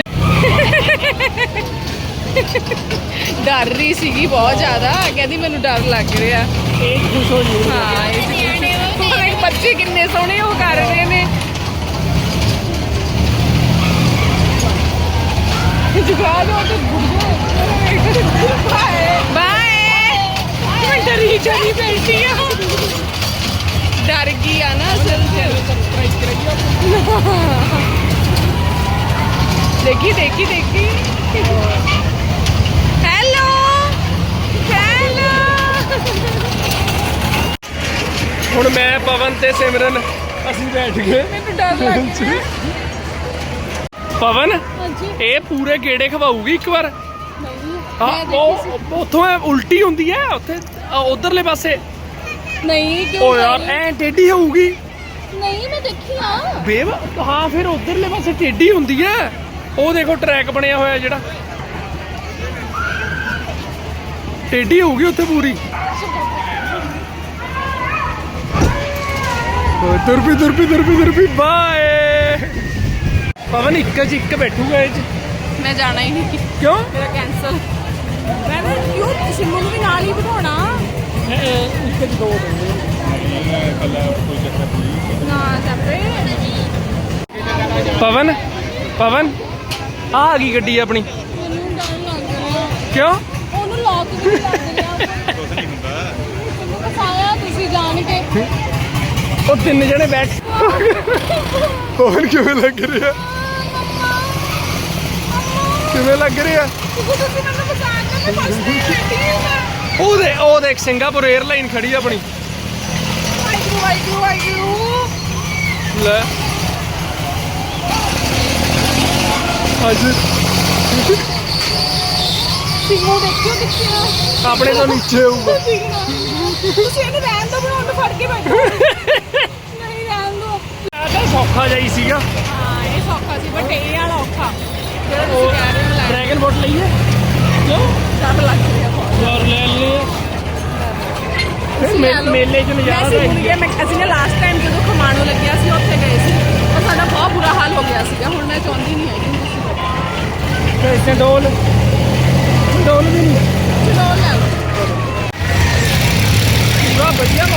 S1: ਡਰ ਰਹੀ ਸੀਗੀ ਬਹੁਤ ਜ਼ਿਆਦਾ। ਕਹਿੰਦੀ ਮੈਨੂੰ ਡਰ ਲੱਗ ਰਿਹਾ।
S2: ਇਹ ਖੁਸ਼ ਹੋ ਜੀ।
S1: ਹਾਂ ਇਹ ਬੱਚੇ ਕਿੰਨੇ ਸੋਹਣੇ ਉਹ ਕਰ ਰਹੇ ਨੇ। ਜਗਾ ਲੋ ਤੇ ਬਾਏ ਬਾਏ। ਮੈਂ ਡਰੀ ਚਲੀ ਬੈਠੀ ਆ। ਡਰ ਗਈ ਆ ਨਾ ਅਸਲ ਚ। ਦੇਖੀ ਦੇਖੀ ਦੇਖੀ। Hello hello.
S2: ਹੁਣ ਮੈਂ, ਪਵਨ ਤੇ ਸਿਮਰਨ ਅਸੀਂ ਬੈਠ ਗਏ।
S1: ਮੈਨੂੰ ਡਰ ਲੱਗ ਰਿਹਾ।
S2: ਪਵਨ
S1: ਹਾਂਜੀ
S2: ਇਹ ਪੂਰੇ ਗੇੜੇ ਖਵਾਊਗੀ ਇੱਕ ਵਾਰ।
S1: ਨਹੀਂ
S2: ਹਾਂ ਉਹ ਉੱਥੋਂ ਉਲਟੀ ਹੁੰਦੀ ਹੈ ਉੱਥੇ ਉਧਰਲੇ ਪਾਸੇ।
S1: ਨਹੀਂ ਕਿਉਂ?
S2: ਓ ਯਾਰ ਐ ਟੇਢੀ ਹੋਊਗੀ।
S1: ਨਹੀਂ ਮੈਂ ਦੇਖੀ ਆ।
S2: ਬੇਵ ਹਾਂ ਫਿਰ ਉਧਰਲੇ ਪਾਸੇ ਟੇਢੀ ਹੁੰਦੀ ਹੈ। ਉਹ ਦੇਖੋ ਟਰੈਕ ਬਣਿਆ ਹੋਇਆ ਜਿਹੜਾ, ਟੇਢੀ ਹੋਊਗੀ ਉੱਥੇ ਪੂਰੀ। ਤੁਰਪੀ ਤੁਰਪੀ ਤੁਰਪੀ ਤੁਰਪੀ ਬਾਏ। ਪਵਨ ਇੱਕ ਚ ਇੱਕ ਬੈਠੂਗਾ ਇਹ ਚ।
S1: ਮੈਂ ਜਾਣਾ ਹੀ ਨਹੀਂ।
S2: ਕਿਉਂ?
S1: ਮੇਰਾ ਕੈਂਸਲ। ਮੈਂ ਨਾ ਕਿਉਂ ਸਿੰਮੂ ਨੂੰ ਵੀ ਨਾਲ ਹੀ ਬਿਠਾਉਣਾ।
S2: ਇੱਕ ਚ ਦੋ ਬੰਦੇ
S1: ਨਾ ਚੱਪੇ।
S2: ਪਵਨ ਪਵਨ ਆ ਆ ਗਈ ਗੱਡੀ ਆਪਣੀ।
S1: ਮੈਨੂੰ ਡਰ ਲੱਗ ਰਿਹਾ।
S2: ਕਿਉਂ?
S1: ਉਹਨੂੰ ਲੌਕ ਵੀ ਲੱਗ ਰਿਹਾ। ਕੁਝ ਨਹੀਂ ਹੁੰਦਾ। ਮੈਨੂੰ ਫਸਾਇਆ ਤੁਸੀਂ ਜਾਣ ਕੇ।
S2: ਉਹ ਤਿੰਨ ਜਣੇ ਬੈਠ। ਪਵਨ ਕਿਵੇਂ ਲੱਗ ਰਿਹਾ? ਕਿਵੇਂ ਲੱਗ ਰਿਹਾ?
S1: ਤੁਸੀਂ ਮੈਨੂੰ ਫਸਾ ਕੇ ਮੈਂ ਫਸ ਗਈ ਬੈਠੀ।
S2: ਉਹ ਦੇ ਉਹ ਦੇਖ ਸਿੰਗਾਪੁਰ 에ਅਰਲਾਈਨ ਖੜੀ ਆਪਣੀ।
S1: ਵਾਹਿਗੁਰੂ ਵਾਹਿਗੁਰੂ ਵਾਹਿਗੁਰੂ।
S2: ਲੈ ਅੱਜ
S1: ਸਿੰਮੂ ਦੇਖਿਓ ਕਿੱਥੇ
S2: ਆਪਣੇ ਤੋਂ ਨੀਚੇ ਹੋਊਗਾ।
S1: ਤੁਸੀਂ ਇਹਨੂੰ ਰਹਿਣ ਦੋ, ਬਣਾਉਣ ਨੂੰ ਫੜ ਕੇ ਬੈਠੋ। ਨਹੀਂ ਰਹਿਣ ਦੋ।
S2: ਆ ਤਾਂ ਸੌਖਾ ਜਾਈ ਸੀਗਾ।
S1: ਹਾਂ ਇਹ ਸੌਖਾ ਸੀ ਬਟ ਇਹ ਵਾਲਾ ਔਖਾ ਜਿਹੜਾ ਤੁਸੀਂ ਕਹਿ ਰਹੇ ਹੋ ਲੈ।
S2: ਡਰੈਗਨ ਬੋਟ ਲਈਏ? ਕਿਉਂ?
S1: ਡਰ ਲੱਗ ਰਿਹਾ ਬਹੁਤ।
S2: ਯਾਰ ਲੈ ਲਈਏ। ਮੇਲੇ 'ਚ ਨਜ਼ਾਰਾ
S1: ਮੈਂ
S2: ਤਾਂ
S1: ਭੁੱਲ ਗਿਆ। ਮੈਂ ਅਸੀਂ ਨੇ ਲਾਸਟ ਟਾਈਮ ਜਦੋਂ ਖਮਾਣੋ ਲੱਗਿਆ ਸੀ ਉੱਥੇ ਗਏ ਸੀ और ਸਾਡਾ ਬਹੁਤ ਬੁਰਾ ਹਾਲ ਹੋ ਗਿਆ ਸੀਗਾ। ਹੁਣ ਮੈਂ ਚਾਹੁੰਦੀ ਨਹੀਂ ਹੈਗੀ ਤੁਸੀਂ
S2: ਚੰਡੋਲ ਚੰਡੋਲ ਵੀ ਨਹੀਂ।
S1: ਚਲੋ ਲੈ ਲਓ।
S2: ਪੂਰਾ ਵਧੀਆ